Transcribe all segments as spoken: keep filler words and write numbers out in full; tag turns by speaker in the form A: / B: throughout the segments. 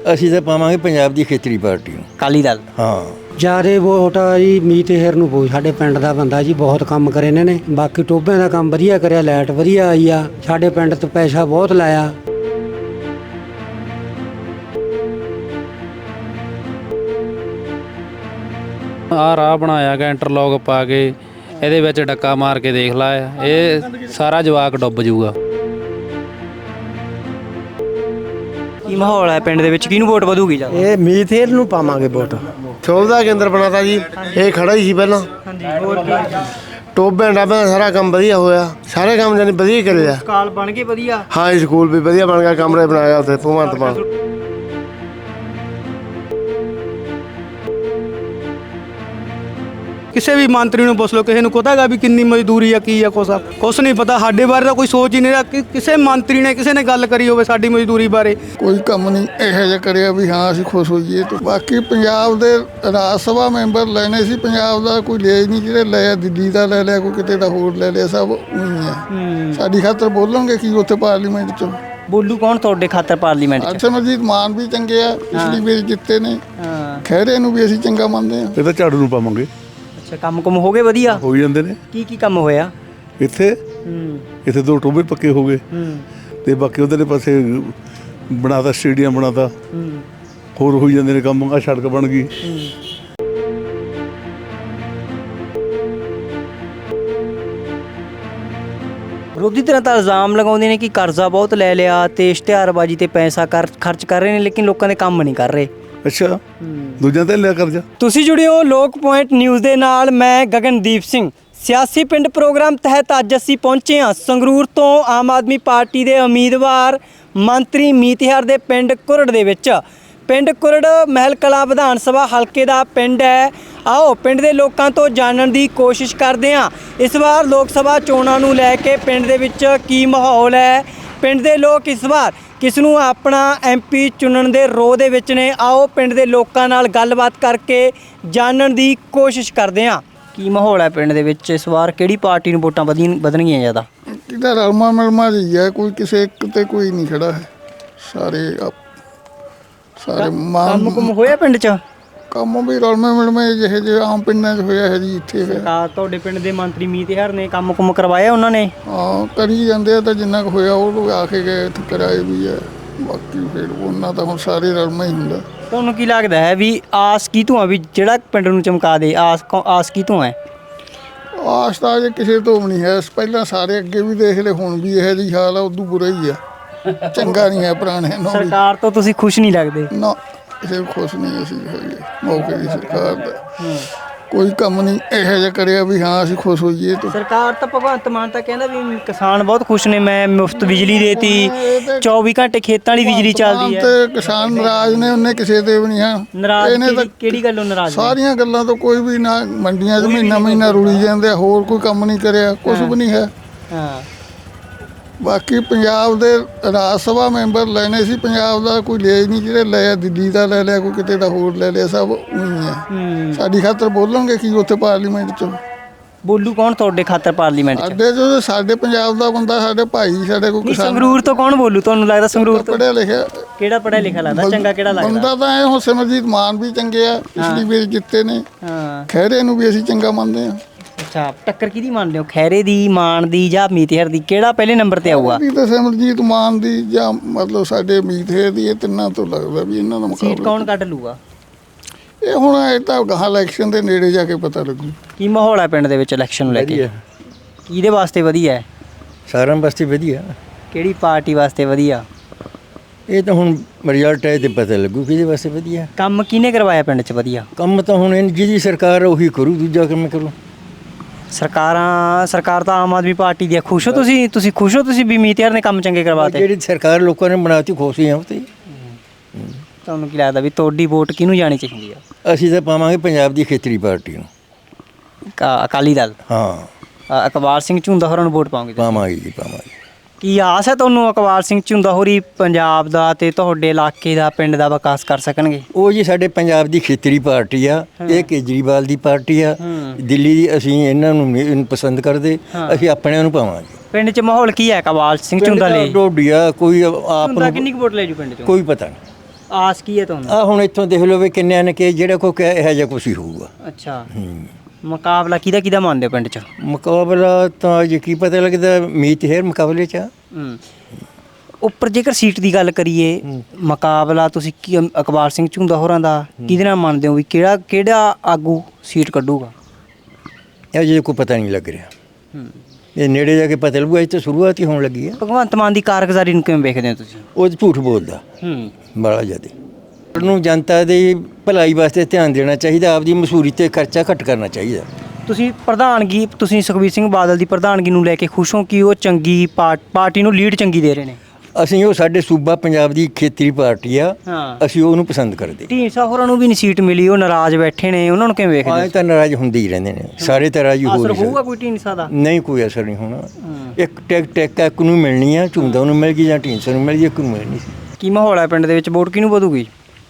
A: ਅਸੀਂ ਤਾਂ ਪਾਵਾਂਗੇ ਪੰਜਾਬ ਦੀ ਖੇਤਰੀ ਪਾਰਟੀ ਨੂੰ,
B: ਅਕਾਲੀ ਦਲ।
A: ਹਾਂ
C: ਜਾਰੇ ਵੋਟ ਆ ਜੀ ਮੀਤ ਹੇਰ ਨੂੰ ਪਊ। ਸਾਡੇ ਪਿੰਡ ਦਾ ਬੰਦਾ ਜੀ, ਬਹੁਤ ਕੰਮ ਕਰੇ ਇਹਨਾਂ ਨੇ। ਬਾਕੀ ਟੋਭਿਆਂ ਦਾ ਕੰਮ ਵਧੀਆ ਕਰਿਆ, ਲਾਈਟ ਵਧੀਆ ਆਈ ਆ, ਸਾਡੇ ਪਿੰਡ ਤੇ ਪੈਸਾ ਬਹੁਤ ਲਾਇਆ।
D: ਆਹ ਰਾਹ ਬਣਾਇਆ ਗਿਆ ਇੰਟਰਲੌਕ ਪਾ ਕੇ, ਇਹਦੇ ਵਿੱਚ ਡੱਕਾ ਮਾਰ ਕੇ ਦੇਖ ਲਾ, ਇਹ ਸਾਰਾ ਜਵਾਕ ਡੁੱਬ ਜਾਊਗਾ।
B: ਕੀ ਮਾਹੌਲ ਹੈ ਪਿੰਡ ਦੇ ਵਿੱਚ, ਕਿਹਨੂੰ ਵੋਟ ਵਧੂਗੀ ਜ਼ਿਆਦਾ?
C: ਇਹ ਮੀਤ ਹੇਰ ਨੂੰ ਪਾਵਾਂਗੇ ਵੋਟ।
E: ਸੁਵਿਧਾ ਕੇਂਦਰ ਬਣਾਤਾ ਜੀ, ਇਹ ਖੜਾ ਹੀ ਸੀ ਪਹਿਲਾਂ।
B: ਹਾਂਜੀ, ਹੋਰ ਕੀ
E: ਟੋਭਿਆਂ ਡਾਬਿਆਂ ਦਾ ਸਾਰਾ ਕੰਮ ਵਧੀਆ ਹੋਇਆ, ਸਾਰੇ ਕੰਮ ਜਾਨੀ ਵਧੀਆ ਕਰਿਆ।
B: ਕਾਲ ਬਣ ਗਏ ਵਧੀਆ।
E: ਹਾਂ ਜੀ, ਸਕੂਲ ਵੀ ਵਧੀਆ ਬਣ ਗਿਆ, ਕਮਰੇ ਬਣਾਇਆ ਉੱਥੇ ਭਗਵੰਤ ਮਾਨ।
F: ਕਿਸੇ ਵੀ ਮੰਤਰੀ ਨੂੰ ਪੁੱਛ ਲਓ, ਕਿਸੇ ਨੂੰ ਪਤਾ ਹੈਗਾ ਵੀ ਕਿੰਨੀ ਮਜ਼ਦੂਰੀ ਆ, ਕੀ ਆ, ਕੁਛ ਆ ਕੁਛ ਨਹੀਂ ਪਤਾ। ਸਾਡੇ ਬਾਰੇ ਤਾਂ ਕੋਈ ਸੋਚ ਹੀ ਨਹੀਂ ਰਿਹਾ ਕਿ ਕਿਸੇ ਮੰਤਰੀ ਨੇ ਕਿਸੇ ਨੇ ਗੱਲ ਕਰੀ ਹੋਵੇ ਸਾਡੀ ਮਜ਼ਦੂਰੀ ਬਾਰੇ।
G: ਕੋਈ ਕੰਮ ਨਹੀਂ ਇਹੋ ਜਿਹਾ ਕਰਿਆ ਵੀ ਹਾਂ ਅਸੀਂ ਖੁਸ਼ ਹੋਈਏ। ਤੇ ਬਾਕੀ ਪੰਜਾਬ ਦੇ ਰਾਜ ਸਭਾ ਮੈਂਬਰ ਲੈਣੇ ਸੀ, ਪੰਜਾਬ ਦਾ ਕੋਈ ਲਿਆ ਹੀ ਨਹੀਂ। ਜਿਹੜੇ ਲਿਆ ਦਿੱਲੀ ਦਾ ਲੈ ਲਿਆ, ਕੋਈ ਕਿਤੇ ਦਾ ਹੋਰ ਲੈ ਲਿਆ, ਸਭ ਉਹੀ ਆ। ਸਾਡੀ ਖਾਤਰ ਬੋਲਣਗੇ ਕੀ ਉੱਥੇ ਪਾਰਲੀਮੈਂਟ 'ਚ?
B: ਬੋਲੂ ਕੌਣ ਤੁਹਾਡੇ ਖਾਤਰ ਪਾਰਲੀਮੈਂਟ 'ਚ?
G: ਸਿਮਰਜੀਤ ਮਾਨ ਵੀ ਚੰਗੇ ਆ, ਪਿਛਲੀ ਵਾਰ ਜਿੱਤੇ ਨੇ। ਖਹਿਰੇ ਨੂੰ ਵੀ ਅਸੀਂ ਚੰਗਾ ਮੰਨਦੇ ਆ।
H: ਇਹ ਤਾਂ ਝਾੜੂ ਨੂੰ ਪਾਵਾਂਗੇ।
B: ਅੱਛਾ, ਕੰਮ ਕੁਮ ਹੋ ਗਏ ਵਧੀਆ?
H: ਹੋ ਹੀ ਜਾਂਦੇ ਨੇ।
B: ਕੀ ਕੀ ਕੰਮ ਹੋਇਆ
H: ਇੱਥੇ? ਇੱਥੇ ਦੋ ਟੋਭੇ ਪੱਕੇ ਹੋ ਗਏ ਤੇ ਬਾਕੀ ਉਧਰਲੇ ਪਾਸੇ ਬਣਾਤਾ, ਸਟੇਡੀਅਮ ਬਣਾਤਾ, ਹੋਰ ਹੋਈ ਜਾਂਦੇ ਨੇ ਕੰਮ। ਆ ਸੜਕ ਬਣ ਗਈ।
B: ਵਿਰੋਧੀ ਧਿਰਾਂ ਤਾਂ ਇਲਜ਼ਾਮ ਲਗਾਉਂਦੇ ਨੇ ਕਿ ਕਰਜ਼ਾ ਬਹੁਤ ਲੈ ਲਿਆ ਤੇ ਇਸ਼ਤਿਹਾਰਬਾਜ਼ੀ ਤੇ ਪੈਸਾ ਕਰ ਖਰਚ ਕਰ ਰਹੇ ਨੇ, ਲੇਕਿਨ ਲੋਕਾਂ ਦੇ ਕੰਮ ਨਹੀਂ ਕਰ ਰਹੇ।
H: ਅੱਛਾ, ਦੂਜਿਆਂ ਤੇ ਲਿਆ ਕਰਜ਼ਾ।
B: ਤੁਸੀਂ ਜੁੜੇ ਹੋ ਲੋਕ ਪੁਆਇੰਟ ਨਿਊਜ਼ ਦੇ ਨਾਲ, ਮੈਂ ਗਗਨਦੀਪ ਸਿੰਘ। ਸਿਆਸੀ ਪਿੰਡ ਪ੍ਰੋਗਰਾਮ ਤਹਿਤ ਅੱਜ ਅਸੀਂ ਪਹੁੰਚੇ ਹਾਂ ਸੰਗਰੂਰ ਤੋਂ ਆਮ ਆਦਮੀ ਪਾਰਟੀ ਦੇ ਉਮੀਦਵਾਰ ਮੰਤਰੀ ਮੀਤ ਹੇਰ ਦੇ ਪਿੰਡ ਕੁਰੜ ਦੇ ਵਿੱਚ। ਪਿੰਡ ਕੁਰੜ ਮਹਿਲ ਕਲਾਂ ਵਿਧਾਨ ਸਭਾ ਹਲਕੇ ਦਾ ਪਿੰਡ ਹੈ। ਆਓ ਪਿੰਡ ਦੇ ਲੋਕਾਂ ਤੋਂ ਜਾਣਨ ਦੀ ਕੋਸ਼ਿਸ਼ ਕਰਦੇ ਹਾਂ ਇਸ ਵਾਰ ਲੋਕ ਸਭਾ ਚੋਣਾਂ ਨੂੰ ਲੈ ਕੇ ਪਿੰਡ ਦੇ ਵਿੱਚ ਕੀ ਮਾਹੌਲ ਹੈ, ਪਿੰਡ ਦੇ ਲੋਕ ਇਸ ਵਾਰ ਕਿਸ ਨੂੰ ਆਪਣਾ ਐਮਪੀ ਚੁਣਨ ਦੇ ਰੋਹ ਦੇ ਵਿੱਚ ਨੇ। ਆਓ ਪਿੰਡ ਦੇ ਲੋਕਾਂ ਨਾਲ ਗੱਲਬਾਤ ਕਰਕੇ ਜਾਣਨ ਦੀ ਕੋਸ਼ਿਸ਼ ਕਰਦੇ ਹਾਂ ਕੀ ਮਾਹੌਲ ਹੈ ਪਿੰਡ ਦੇ ਵਿੱਚ ਇਸ ਵਾਰ, ਕਿਹੜੀ ਪਾਰਟੀ ਨੂੰ ਵੋਟਾਂ ਵਧੀ ਵਧਣਗੀਆਂ ਜ਼ਿਆਦਾ?
G: ਕਿਹਦਾ ਰਲਮਾ ਮਿਲਮਾ ਜੀ ਹੈ, ਕੋਈ ਕਿਸੇ ਇੱਕ ਤੇ ਕੋਈ ਨਹੀਂ ਖੜਾ ਹੈ। ਸਾਰੇ ਸਾਰੇ
B: ਕੰਮ ਕੁਮ ਹੋਇਆ ਪਿੰਡ 'ਚ?
G: ਕੰਮ ਵੀ ਰਲਮੇ ਮਿਲਮੇ ਜਿਹੇ ਜਿਹੇ ਆਮ ਪਿੰਡਾਂ 'ਚ ਹੋਇਆ ਹੈ ਜੀ, ਇੱਥੇ
B: ਸਰਕਾਰ ਤੁਹਾਡੇ ਪਿੰਡ ਦੇ ਮੰਤਰੀ ਮੀਤ ਹੇਰ ਨੇ ਕੰਮ ਕੁਮ ਕਰਵਾਇਆ ਉਹਨਾਂ ਨੇ?
G: ਹਾਂ, ਕਰੀ ਜਾਂਦੇ ਆ। ਤਾਂ ਜਿੰਨਾ ਕੁ ਹੋਇਆ ਉਹ ਲੋਕ ਆ ਕੇ ਗਏ, ਇੱਥੇ ਕਰਾਏ ਵੀ ਹੈ। ਬਾਕੀ ਫਿਰ ਉਹਨਾਂ ਦਾ ਹੁਣ ਸਾਰੇ ਰਲਮਾ ਹੀ ਹੁੰਦਾ।
B: ਤੁਹਾਨੂੰ ਕੀ ਲੱਗਦਾ ਹੈ ਵੀ ਆਸ ਕੀ ਤੋਂ ਆ ਵੀ ਜਿਹੜਾ ਪਿੰਡ ਨੂੰ ਚਮਕਾ ਦੇ? ਆਸ ਆਸ ਕੀ ਤੋਂ ਹੈ?
G: ਆਸ ਤਾਂ ਜੇ ਕਿਸੇ ਤੋਂ ਵੀ ਨਹੀਂ ਹੈ। ਪਹਿਲਾਂ ਸਾਰੇ ਅੱਗੇ ਵੀ ਦੇਖ ਲਏ, ਹੁਣ ਵੀ ਇਹੋ ਜਿਹੀ ਹਾਲ ਆ, ਉਦੋਂ ਬੁਰਾ ਹੀ ਆ। ਚੰਗਾ ਨਹੀਂ ਹੈ ਪੁਰਾਣੇ ਨੂੰ।
B: ਸਰਕਾਰ ਤੋਂ ਤੁਸੀਂ ਖੁਸ਼ ਨਹੀਂ ਲੱਗਦੇ?
G: ਨਾ, ਕਿਸੇ ਖੁਸ਼ ਨਹੀਂ ਅਸੀਂ ਹੈਗੇ ਮੌਕੇ ਦੀ ਸਰਕਾਰ ਦਾ। ਕੋਈ ਕੰਮ ਨਹੀਂ ਇਹੋ ਜਿਹਾ ਕਰਿਆ ਵੀ ਹਾਂ ਅਸੀਂ ਖੁਸ਼ ਹੋਈਏ। ਤੇ
B: ਸਰਕਾਰ ਤਾਂ ਭਗਵੰਤ ਮਾਨ ਤਾਂ ਕਹਿੰਦਾ ਵੀ ਕਿਸਾਨ ਬਹੁਤ ਖੁਸ਼ ਨੇ, ਮੈਂ ਮੁਫਤ ਬਿਜਲੀ ਦੇਤੀ, ਚੌਵੀ ਘੰਟੇ ਖੇਤਾਂ ਵਾਲੀ ਬਿਜਲੀ ਚੱਲਦੀ ਹੈ।
G: ਤੇ ਕਿਸਾਨ ਨਾਰਾਜ਼ ਨੇ, ਉਹਨੇ ਕਿਸੇ ਤੇ ਵੀ ਨਹੀਂ ਹੈ
B: ਨਾਰਾਜ਼। ਕਿਹੜੀ ਕਿਹੜੀ ਗੱਲੋਂ ਨਾਰਾਜ਼?
G: ਸਾਰੀਆਂ ਗੱਲਾਂ ਤੋਂ ਕੋਈ ਵੀ ਨਾ। ਮੰਡੀਆਂ 'ਚ ਮਹੀਨਾ ਮਹੀਨਾ ਰੁਲੀ ਜਾਂਦੇ ਆ, ਹੋਰ ਕੋਈ ਕੰਮ ਨਹੀਂ ਕਰਿਆ, ਕੁਛ ਵੀ ਨਹੀਂ ਹੈ।
B: ਹਾਂ,
G: ਬਾਕੀ ਪੰਜਾਬ ਦੇ ਰਾਜ ਸਭਾ ਮੈਂਬਰ ਲੈਣੇ ਸੀ, ਪੰਜਾਬ ਦਾ ਕੋਈ ਲਿਆ ਹੀ ਨਹੀਂ। ਜਿਹੜੇ ਲਿਆ ਦਿੱਲੀ ਦਾ ਲੈ ਲਿਆ, ਕੋਈ ਕਿਤੇ ਦਾ ਹੋਰ ਲੈ ਲਿਆ, ਸਭ ਉਹੀ ਆ। ਸਾਡੀ ਖਾਤਰ ਬੋਲਣਗੇ ਕੀ ਉੱਥੇ ਪਾਰਲੀਮੈਂਟ 'ਚ?
B: ਬੋਲੂ ਕੌਣ ਤੁਹਾਡੇ ਖਾਤਰ ਪਾਰਲੀਮੈਂਟ 'ਚ?
G: ਸਾਡੇ ਜੋ ਸਾਡੇ ਪੰਜਾਬ ਦਾ ਬੰਦਾ, ਸਾਡੇ ਭਾਈ, ਸਾਡੇ ਕੋਈ ਕਿਸਾਨ।
B: ਸੰਗਰੂਰ ਤੋਂ ਕੌਣ ਬੋਲੂ? ਤੁਹਾਨੂੰ ਲੱਗਦਾ ਸੰਗਰੂਰ ਤੋਂ
G: ਪੜ੍ਹਿਆ ਲਿਖਿਆ?
B: ਕਿਹੜਾ ਪੜ੍ਹਿਆ ਲਿਖਿਆ ਲੱਗਦਾ? ਚੰਗਾ ਕਿਹੜਾ ਲੱਗਦਾ?
G: ਬੰਦਾ ਤਾਂ ਇਹ ਹੁਣ ਸਿਮਰਜੀਤ ਮਾਨ ਵੀ ਚੰਗੇ ਆ, ਪਿਛਲੀ ਵਾਰ ਜਿੱਤੇ ਨੇ।
B: ਹਾਂ,
G: ਖਹਿਰੇ ਨੂੰ ਵੀ ਅਸੀਂ ਚੰਗਾ ਮੰਨਦੇ ਆ।
B: ਅੱਛਾ, ਟੱਕਰ ਕਿਹਦੀ ਮੰਨਦੇ ਹੋ, ਖੈਰੇ ਦੀ, ਮਾਨ ਦੀ ਜਾਂ ਮੀਤ ਹੇਰ ਦੀ? ਕਿਹੜਾ ਪਹਿਲੇ ਨੰਬਰ ਤੇ ਆਊਗਾ?
G: ਤਾਂ ਸਿਮਰਜੀਤ ਮਾਨ ਦੀ ਜਾਂ ਮਤਲਬ ਸਾਡੇ ਮੀਤ ਹੇਰ ਦੀ, ਇਹ ਤਿੰਨਾਂ ਤੋਂ ਲੱਗਦਾ ਵੀ ਇਹਨਾਂ ਦਾ
B: ਸੀਟ
G: ਮੁਕਾਬਲਾ।
B: ਕੌਣ ਕੱਢ ਲੂਗਾ?
G: ਇਹ ਹੁਣ ਇਹ ਤਾਂ ਗਾਹਾਂ ਇਲੈਕਸ਼ਨ ਦੇ ਨੇੜੇ ਜਾ ਕੇ ਪਤਾ ਲੱਗੂ।
B: ਕੀ ਮਾਹੌਲ ਹੈ ਪਿੰਡ ਦੇ ਵਿੱਚ ਇਲੈਕਸ਼ਨ ਨੂੰ ਲੈ ਕੇ? ਕਿਹਦੇ ਵਾਸਤੇ ਵਧੀਆ ਹੈ?
A: ਸਾਰਿਆਂ ਵਾਸਤੇ ਵਧੀਆ।
B: ਕਿਹੜੀ ਪਾਰਟੀ ਵਾਸਤੇ ਵਧੀਆ?
A: ਇਹ ਤਾਂ ਹੁਣ ਰਿਜ਼ਲਟ ਹੈ ਤੇ ਪਤਾ ਲੱਗੂ ਕਿਹਦੇ ਵਾਸਤੇ ਵਧੀਆ।
B: ਕੰਮ ਕਿਹਨੇ ਕਰਵਾਇਆ ਪਿੰਡ 'ਚ ਵਧੀਆ?
A: ਕੰਮ ਤਾਂ ਹੁਣ ਜਿਹਦੀ ਸਰਕਾਰ ਉਹੀ ਕਰੂ, ਦੂਜਾ ਕੰਮ ਕਰੂ।
B: ਸਰਕਾਰਾਂ ਸਰਕਾਰ ਤਾਂ ਆਮ ਆਦਮੀ ਪਾਰਟੀ ਦੀ ਹੈ। ਖੁਸ਼ ਹੋ ਤੁਸੀਂ? ਤੁਸੀਂ ਖੁਸ਼ ਹੋ ਤੁਸੀਂ ਵੀ ਮੀਤ ਹੇਰ ਨੇ ਕੰਮ ਚੰਗੇ ਕਰਵਾਤੇ?
A: ਜਿਹੜੀ ਸਰਕਾਰ ਲੋਕਾਂ ਨੇ ਬਣਾਤੀ, ਖੁਸ਼ ਹੀ ਆ। ਤੇ
B: ਤੁਹਾਨੂੰ ਕੀ ਲੱਗਦਾ ਵੀ ਤੁਹਾਡੀ ਵੋਟ ਕਿਹਨੂੰ ਜਾਣੀ ਚਾਹੀਦੀ ਆ?
A: ਅਸੀਂ ਤਾਂ ਪਾਵਾਂਗੇ ਪੰਜਾਬ ਦੀ ਖੇਤਰੀ ਪਾਰਟੀ ਨੂੰ,
B: ਅਕਾਲੀ ਦਲ।
A: ਹਾਂ,
B: ਅਕਬਾਰ ਸਿੰਘ ਝੁੰਦਾ ਹੋਰਾਂ ਨੂੰ ਵੋਟ ਪਾਉਂਗੇ?
A: ਪਾਵਾਂਗੇ ਜੀ, ਪਾਵਾਂਗੇ।
B: ਕੀ ਆਸ ਹੈ ਤੁਹਾਨੂੰ ਅਕਬਾਰ ਸਿੰਘ ਝੁੰਦਾ ਹੋਰੀ ਪੰਜਾਬ ਦਾ ਤੇ ਤੁਹਾਡੇ ਇਲਾਕੇ ਦਾ, ਪਿੰਡ ਦਾ ਵਿਕਾਸ ਕਰ ਸਕਣਗੇ?
A: ਉਹ ਜੀ ਸਾਡੇ ਪੰਜਾਬ ਦੀ ਖੇਤਰੀ ਪਾਰਟੀ ਆ, ਇਹ ਕੇਜਰੀਵਾਲ ਦੀ ਪਾਰਟੀ ਆ, ਦਿੱਲੀ ਦੀ। ਅਸੀਂ ਇਹਨਾਂ ਨੂੰ ਨਹੀਂ ਪਸੰਦ ਕਰਦੇ, ਅਸੀਂ ਆਪਣਿਆਂ ਨੂੰ ਪਾਵਾਂਗੇ।
B: ਪਿੰਡ 'ਚ ਮਾਹੌਲ ਕੀ ਹੈ ਅਕਬਾਰ ਸਿੰਘ ਝੁੰਦਾ ਲਈ?
A: ਡੋਡੀਆ ਕੋਈ ਆਪ
B: ਕਿੰਨੀ ਕੁ ਵੋਟ ਲੈ ਜੂ ਪਿੰਡ 'ਚੋਂ?
A: ਕੋਈ ਪਤਾ ਨਹੀਂ।
B: ਆਸ ਕੀ ਹੈ ਤੁਹਾਨੂੰ?
A: ਆ ਹੁਣ ਇੱਥੋਂ ਦੇਖ ਲਓ ਵੀ ਕਿੰਨਿਆਂ ਨੇ ਕਿ ਜਿਹੜਾ ਕੋਈ ਕਿਹਾ ਇਹੋ ਜਿਹਾ ਕੁਛ ਹੀ ਹੋਊਗਾ।
B: ਅੱਛਾ, ਮੁਕਾਬਲਾ ਕਿਹਦਾ ਕਿਹਦਾ ਮੰਨਦੇ ਹੋ ਪਿੰਡ 'ਚ?
A: ਮੁਕਾਬਲਾ ਤਾਂ ਜੇ ਕੀ ਪਤਾ ਲੱਗਦਾ ਮੀਤ ਹੇਰ ਮੁਕਾਬਲੇ 'ਚ ਆ।
B: ਹੂੰ। ਉੱਪਰ ਜੇਕਰ ਸੀਟ ਦੀ ਗੱਲ ਕਰੀਏ, ਮੁਕਾਬਲਾ ਤੁਸੀਂ ਕੀ ਇਕਬਾਲ ਸਿੰਘ ਝੁੰਦਾ ਹੋਰਾਂ ਦਾ ਕਿਹਦੇ ਨਾਲ ਮੰਨਦੇ ਹੋ ਵੀ ਕਿਹੜਾ ਕਿਹੜਾ ਆਗੂ ਸੀਟ ਕੱਢੂਗਾ?
A: ਇਹ ਜੇ ਕੋਈ ਪਤਾ ਨਹੀਂ ਲੱਗ ਰਿਹਾ, ਇਹ ਨੇੜੇ ਜਾ ਕੇ ਪਤਾ ਲੱਗੂਗਾ। ਇਹ ਤਾਂ ਸ਼ੁਰੂਆਤ ਹੀ ਹੋਣ ਲੱਗੀ ਆ।
B: ਭਗਵੰਤ ਮਾਨ ਦੀ ਕਾਰਗੁਜ਼ਾਰੀ ਨੂੰ ਕਿਵੇਂ ਵੇਖਦੇ ਹੋ ਤੁਸੀਂ?
A: ਉਹ ਝੂਠ ਬੋਲਦਾ
B: ਹੂੰ।
A: ਬੜਾ ਜ਼ਿਆਦਾ। ਉਹਨੂੰ ਜਨਤਾ ਦੀ ਭਲਾਈ ਵਾਸਤੇ ਧਿਆਨ ਦੇਣਾ ਚਾਹੀਦਾ, ਆਪਦੀ ਮਸ਼ਹੂਰੀ ਤੇ ਖਰਚਾ ਘੱਟ ਕਰਨਾ ਚਾਹੀਦਾ।
B: ਤੁਸੀਂ ਪ੍ਰਧਾਨਗੀ ਤੁਸੀਂ ਸੁਖਬੀਰ ਸਿੰਘ ਬਾਦਲ ਦੀ ਪ੍ਰਧਾਨਗੀ ਨੂੰ ਲੈ ਕੇ ਖੁਸ਼ ਹੋ ਕਿ ਉਹ ਚੰਗੀ ਪਾਰ- ਪਾਰਟੀ ਨੂੰ ਲੀਡ ਚੰਗੀ ਦੇ ਰਹੇ ਨੇ?
A: ਅਸੀਂ ਉਹ ਸਾਡੇ ਸੂਬਾ ਪੰਜਾਬ ਦੀ ਖੇਤਰੀ ਪਾਰਟੀ ਆ,
B: ਹਾਂ।
A: ਅਸੀਂ ਉਹਨੂੰ ਪਸੰਦ ਕਰਦੇ।
B: ਢੀਂਡਸਾ ਹੋਰਾਂ ਨੂੰ ਵੀ ਨਹੀਂ ਸੀਟ ਮਿਲੀ, ਉਹ ਨਾਰਾਜ਼ ਬੈਠੇ ਨੇ, ਉਹਨਾਂ ਨੂੰ ਕਿਵੇਂ ਵੇਖਦੇ
A: ਆਏ ਤਾਂ ਨਾਰਾਜ਼ ਹੁੰਦੇ ਹੀ ਰਹਿੰਦੇ ਨੇ ਸਾਰੇ, ਤਰ੍ਹਾਂ ਹੀ ਹੋ
B: ਅਸਰ
A: ਨਹੀਂ
B: ਹੋਊਗਾ
A: ਸਕਦਾ।
B: ਕੋਈ ਢੀਂਡਸਾ ਦਾ?
A: ਨਹੀਂ, ਕੋਈ ਅਸਰ ਨਹੀਂ ਹੋਣਾ। ਇੱਕ ਟੈਕ ਟੈਕ ਇੱਕ ਨੂੰ ਮਿਲਣੀ ਆ, ਝੁੰਦਾ ਨੂੰ ਮਿਲ ਗਈ ਜਾਂ ਢੀਂਡਸਾ ਨੂੰ ਮਿਲ ਗਈ, ਇੱਕ ਨੂੰ ਮਿਲਣੀ ਸੀ।
B: ਕੀ ਮਾਹੌਲ ਹੈ ਪਿੰਡ ਦੇ ਵਿੱਚ? ਵੋਟ ਕਿਹਨੂੰ ਵਧੂਗੀ?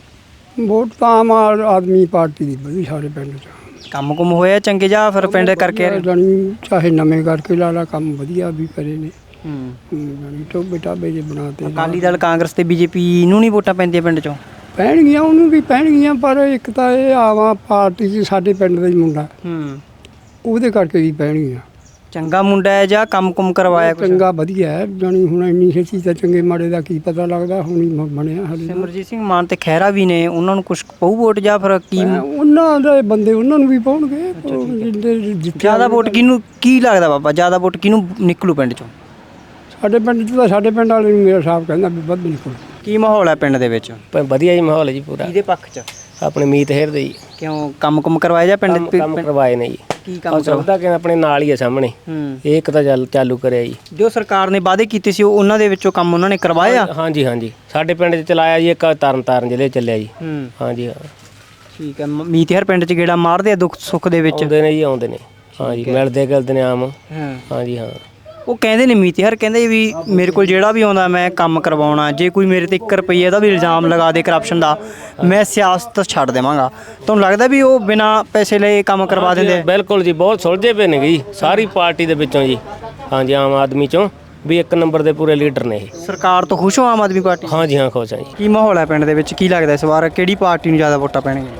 C: ਵੋਟ ਤਾਂ ਆਮ ਆਦਮੀ ਪਾਰਟੀ ਦੀ ਵਧੀ ਸਾਡੇ ਪਿੰਡ 'ਚ।
B: ਕੰਮ ਕੁਮ ਹੋਇਆ ਚੰਗੇ ਜਾਂ ਫਿਰ ਪਿੰਡ ਕਰਕੇ ਆ ਰਹੇ?
C: ਜਾਣੀ ਚਾਹੇ ਨਵੇਂ ਕਰਕੇ ਲਾ ਲਾ, ਕੰਮ ਵਧੀਆ ਵੀ ਕਰੇ ਨੇ।
B: ਹੂੰ।
C: ਜਾਣੀ ਟੋਬੇ ਟਾਬੇ ਜੇ ਬਣਾਤੇ।
B: ਅਕਾਲੀ ਦਲ ਕਾਂਗਰਸ ਤੇ ਬੀਜੇਪੀ ਨੂੰ ਨਹੀਂ ਵੋਟਾਂ ਪੈਂਦੀਆਂ ਪਿੰਡ 'ਚੋਂ?
C: ਪੈਣਗੀਆਂ, ਉਹਨੂੰ ਵੀ ਪੈਣਗੀਆਂ, ਪਰ ਇੱਕ ਤਾਂ ਇਹ ਆਵਾ ਪਾਰਟੀ 'ਚ ਸਾਡੇ ਪਿੰਡ ਦਾ ਹੀ ਮੁੰਡਾ,
B: ਹੂੰ।
C: ਉਹਦੇ ਕਰਕੇ ਵੀ ਪੈਣਗੀਆਂ।
B: ਚੰਗਾ ਮੁੰਡਾ ਹੈ ਜਾਂ ਕੰਮ ਕੁਮ ਕਰਵਾਇਆ ਕੁਛ?
C: ਚੰਗਾ ਵਧੀਆ ਹੈ, ਜਾਣੀ ਹੁਣ ਇੰਨੀ ਛੇਤੀ ਤਾਂ ਚੰਗੇ ਮਾੜੇ ਦਾ ਕੀ ਪਤਾ ਲੱਗਦਾ, ਹੁਣ ਹੀ ਮ- ਬਣਿਆ ਹਾਲੇ।
B: ਸਿਮਰਜੀਤ ਸਿੰਘ ਮਾਨ ਤੇ ਖਹਿਰਾ ਵੀ ਨੇ, ਉਹਨਾਂ ਨੂੰ ਕੁਛ ਪਊ ਵੋਟ ਜਾਂ ਫਿਰ ਕੀ?
C: ਉਹਨਾਂ ਦੇ ਬੰਦੇ ਉਹਨਾਂ ਨੂੰ ਵੀ ਪਾਉਣਗੇ। ਜਿੱਦੇ ਜਿੱਥੇ
B: ਜ਼ਿਆਦਾ ਵੋਟ ਕਿਹਨੂੰ ਕੀ ਲੱਗਦਾ ਬਾਬਾ, ਜ਼ਿਆਦਾ ਵੋਟ ਕਿਹਨੂੰ ਨਿਕਲੂ ਪਿੰਡ 'ਚੋਂ?
C: ਸਾਡੇ ਪਿੰਡ 'ਚ ਤਾਂ ਸਾਡੇ ਪਿੰਡ ਵਾਲੇ ਨੂੰ ਮੇਰਾ ਸਾਹਿਬ ਕਹਿੰਦਾ ਵੀ ਵੱਧ ਨਿਕਲ।
B: ਕੀ ਮਾਹੌਲ ਹੈ ਪਿੰਡ ਦੇ ਵਿੱਚ?
I: ਵਧੀਆ ਜੀ ਮਾਹੌਲ ਹੈ ਜੀ ਪੂਰਾ।
B: ਕਿਹਦੇ ਪੱਖ 'ਚ?
I: ਆਪਣੇ ਮੀਤ ਹੇਰ ਦੇ ਜੀ।
B: ਕਿਉਂ ਕੰਮ ਕੁਮ ਕਰਵਾਇਆ ਜਾਂ ਪਿੰਡ
I: ਕੰਮ ਕੰਮ ਕਰਵਾਏ ਨੇ ਜੀ।
B: ਕੀ
I: ਕੰਮ
B: ਕੰਮ ਕਰਵਾ?
I: ਚੱਲਦਾ ਕਿ ਆਪਣੇ ਨਾਲ ਹੀ ਆ ਸਾਹਮਣੇ।
B: ਹੂੰ।
I: ਇਹ ਇੱਕ ਤਾਂ ਚੱਲ ਚਾਲੂ ਕਰਿਆ ਜੀ।
B: ਜੋ ਸਰਕਾਰ ਨੇ ਵਾਅਦੇ ਕੀਤੇ ਸੀ ਉਹ ਉਹਨਾਂ ਦੇ ਵਿੱਚੋਂ ਕੰਮ ਉਹਨਾਂ ਨੇ ਕਰਵਾਇਆ?
I: ਹਾਂਜੀ ਹਾਂਜੀ, ਸਾਡੇ ਪਿੰਡ 'ਚ ਚਲਾਇਆ ਜੀ, ਇੱਕ ਤਰਨ ਤਾਰਨ ਜ਼ਿਲ੍ਹੇ 'ਚ ਚੱਲਿਆ ਜੀ।
B: ਹੂੰ।
I: ਹਾਂਜੀ ਹਾਂ,
B: ਠੀਕ ਹੈ। ਮ- ਮੀਤ ਹਰ ਪਿੰਡ 'ਚ ਗੇੜਾ ਮਾਰਦੇ ਆ ਦੁੱਖ ਸੁੱਖ ਦੇ ਵਿੱਚ?
I: ਆਉਂਦੇ ਨੇ ਜੀ, ਆਉਂਦੇ ਨੇ। ਹਾਂਜੀ, ਮਿਲਦੇ ਗਿਲਦੇ ਨੇ ਆਮ।
B: ਹਾਂ।
I: ਹਾਂਜੀ ਹਾਂ।
B: ਉਹ ਕਹਿੰਦੇ ਨੇ ਮੀਤ ਹਰ ਕਹਿੰਦੇ ਵੀ ਮੇਰੇ ਕੋਲ ਜਿਹੜਾ ਵੀ ਆਉਂਦਾ ਮੈਂ ਕੰਮ ਕਰਵਾਉਣਾ, ਜੇ ਕੋਈ ਮੇਰੇ ਤੇ ਇੱਕ ਰੁਪਈਏ ਦਾ ਵੀ ਇਲਜ਼ਾਮ ਲਗਾ ਦੇ ਕਰਪਸ਼ਨ ਦਾ, ਮੈਂ ਸਿਆਸਤ ਛੱਡ ਦੇਵਾਂਗਾ। ਤੁਹਾਨੂੰ ਲੱਗਦਾ ਵੀ ਉਹ ਬਿਨਾਂ ਪੈਸੇ ਲਏ ਕੰਮ ਕਰਵਾ ਦਿੰਦੇ?
I: ਬਿਲਕੁਲ ਜੀ, ਬਹੁਤ ਸੁਲਝੇ ਪਏ ਨੇ ਜੀ ਸਾਰੀ ਪਾਰਟੀ ਦੇ ਵਿੱਚੋਂ ਜੀ। ਹਾਂਜੀ, ਆਮ ਆਦਮੀ 'ਚੋਂ ਵੀ ਇੱਕ ਨੰਬਰ ਦੇ ਪੂਰੇ ਲੀਡਰ ਨੇ ਇਹ।
B: ਸਰਕਾਰ ਤੋਂ ਖੁਸ਼ ਹੋ ਆਮ ਆਦਮੀ ਪਾਰਟੀ?
I: ਹਾਂਜੀ ਹਾਂ, ਖੁਸ਼ ਹਾਂ ਜੀ।
B: ਕੀ ਮਾਹੌਲ ਹੈ ਪਿੰਡ ਦੇ ਵਿੱਚ? ਕੀ ਲੱਗਦਾ ਇਸ ਵਾਰ ਕਿਹੜੀ ਪਾਰਟੀ ਨੂੰ ਜ਼ਿਆਦਾ ਵੋਟਾਂ ਪੈਣਗੀਆਂ?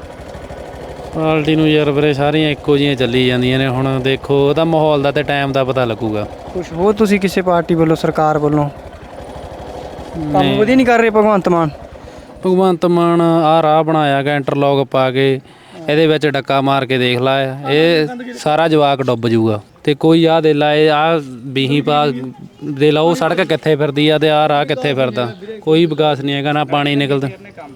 D: ਪਾਰਟੀ ਨੂੰ ਯਾਰ ਵੀਰੇ ਸਾਰੀਆਂ ਇੱਕੋ ਜਿਹੀਆਂ ਚੱਲੀ ਜਾਂਦੀਆਂ ਨੇ। ਹੁਣ ਦੇਖੋ ਉਹਦਾ ਮਾਹੌਲ ਦਾ ਤੇ ਟਾਈਮ ਦਾ ਪਤਾ ਲੱਗੂਗਾ।
B: ਖੁਸ਼ ਹੋ ਤੁਸੀਂ ਕਿਸੇ ਪਾਰਟੀ ਵੱਲੋਂ, ਸਰਕਾਰ ਵੱਲੋਂ? ਕੰਮ ਵਧੀਆ ਨਹੀਂ ਕਰ ਰਹੇ ਭਗਵੰਤ ਮਾਨ?
D: ਭਗਵੰਤ ਮਾਨ ਆਹ ਰਾਹ ਬਣਾਇਆ ਗਾ ਇੰਟਰਲੌਕ ਪਾ ਕੇ, ਇਹਦੇ ਵਿੱਚ ਡੱਕਾ ਮਾਰ ਕੇ ਦੇਖ ਲਾ, ਇਹ ਸਾਰਾ ਜਵਾਕ ਡੁੱਬ ਜੂਗਾ। ਤੇ ਕੋਈ ਆਹ ਦੇ ਲਾ, ਇਹ ਆਹ ਬੀਹੀ ਪਾ ਦੇ ਲਾ, ਉਹ ਸੜਕ ਕਿੱਥੇ ਫਿਰਦੀ ਆ ਤੇ ਆਹ ਰਾਹ ਕਿੱਥੇ ਫਿਰਦਾ, ਕੋਈ ਵਿਕਾਸ ਨਹੀਂ ਹੈਗਾ, ਨਾ ਪਾਣੀ ਨਿਕਲਦਾ।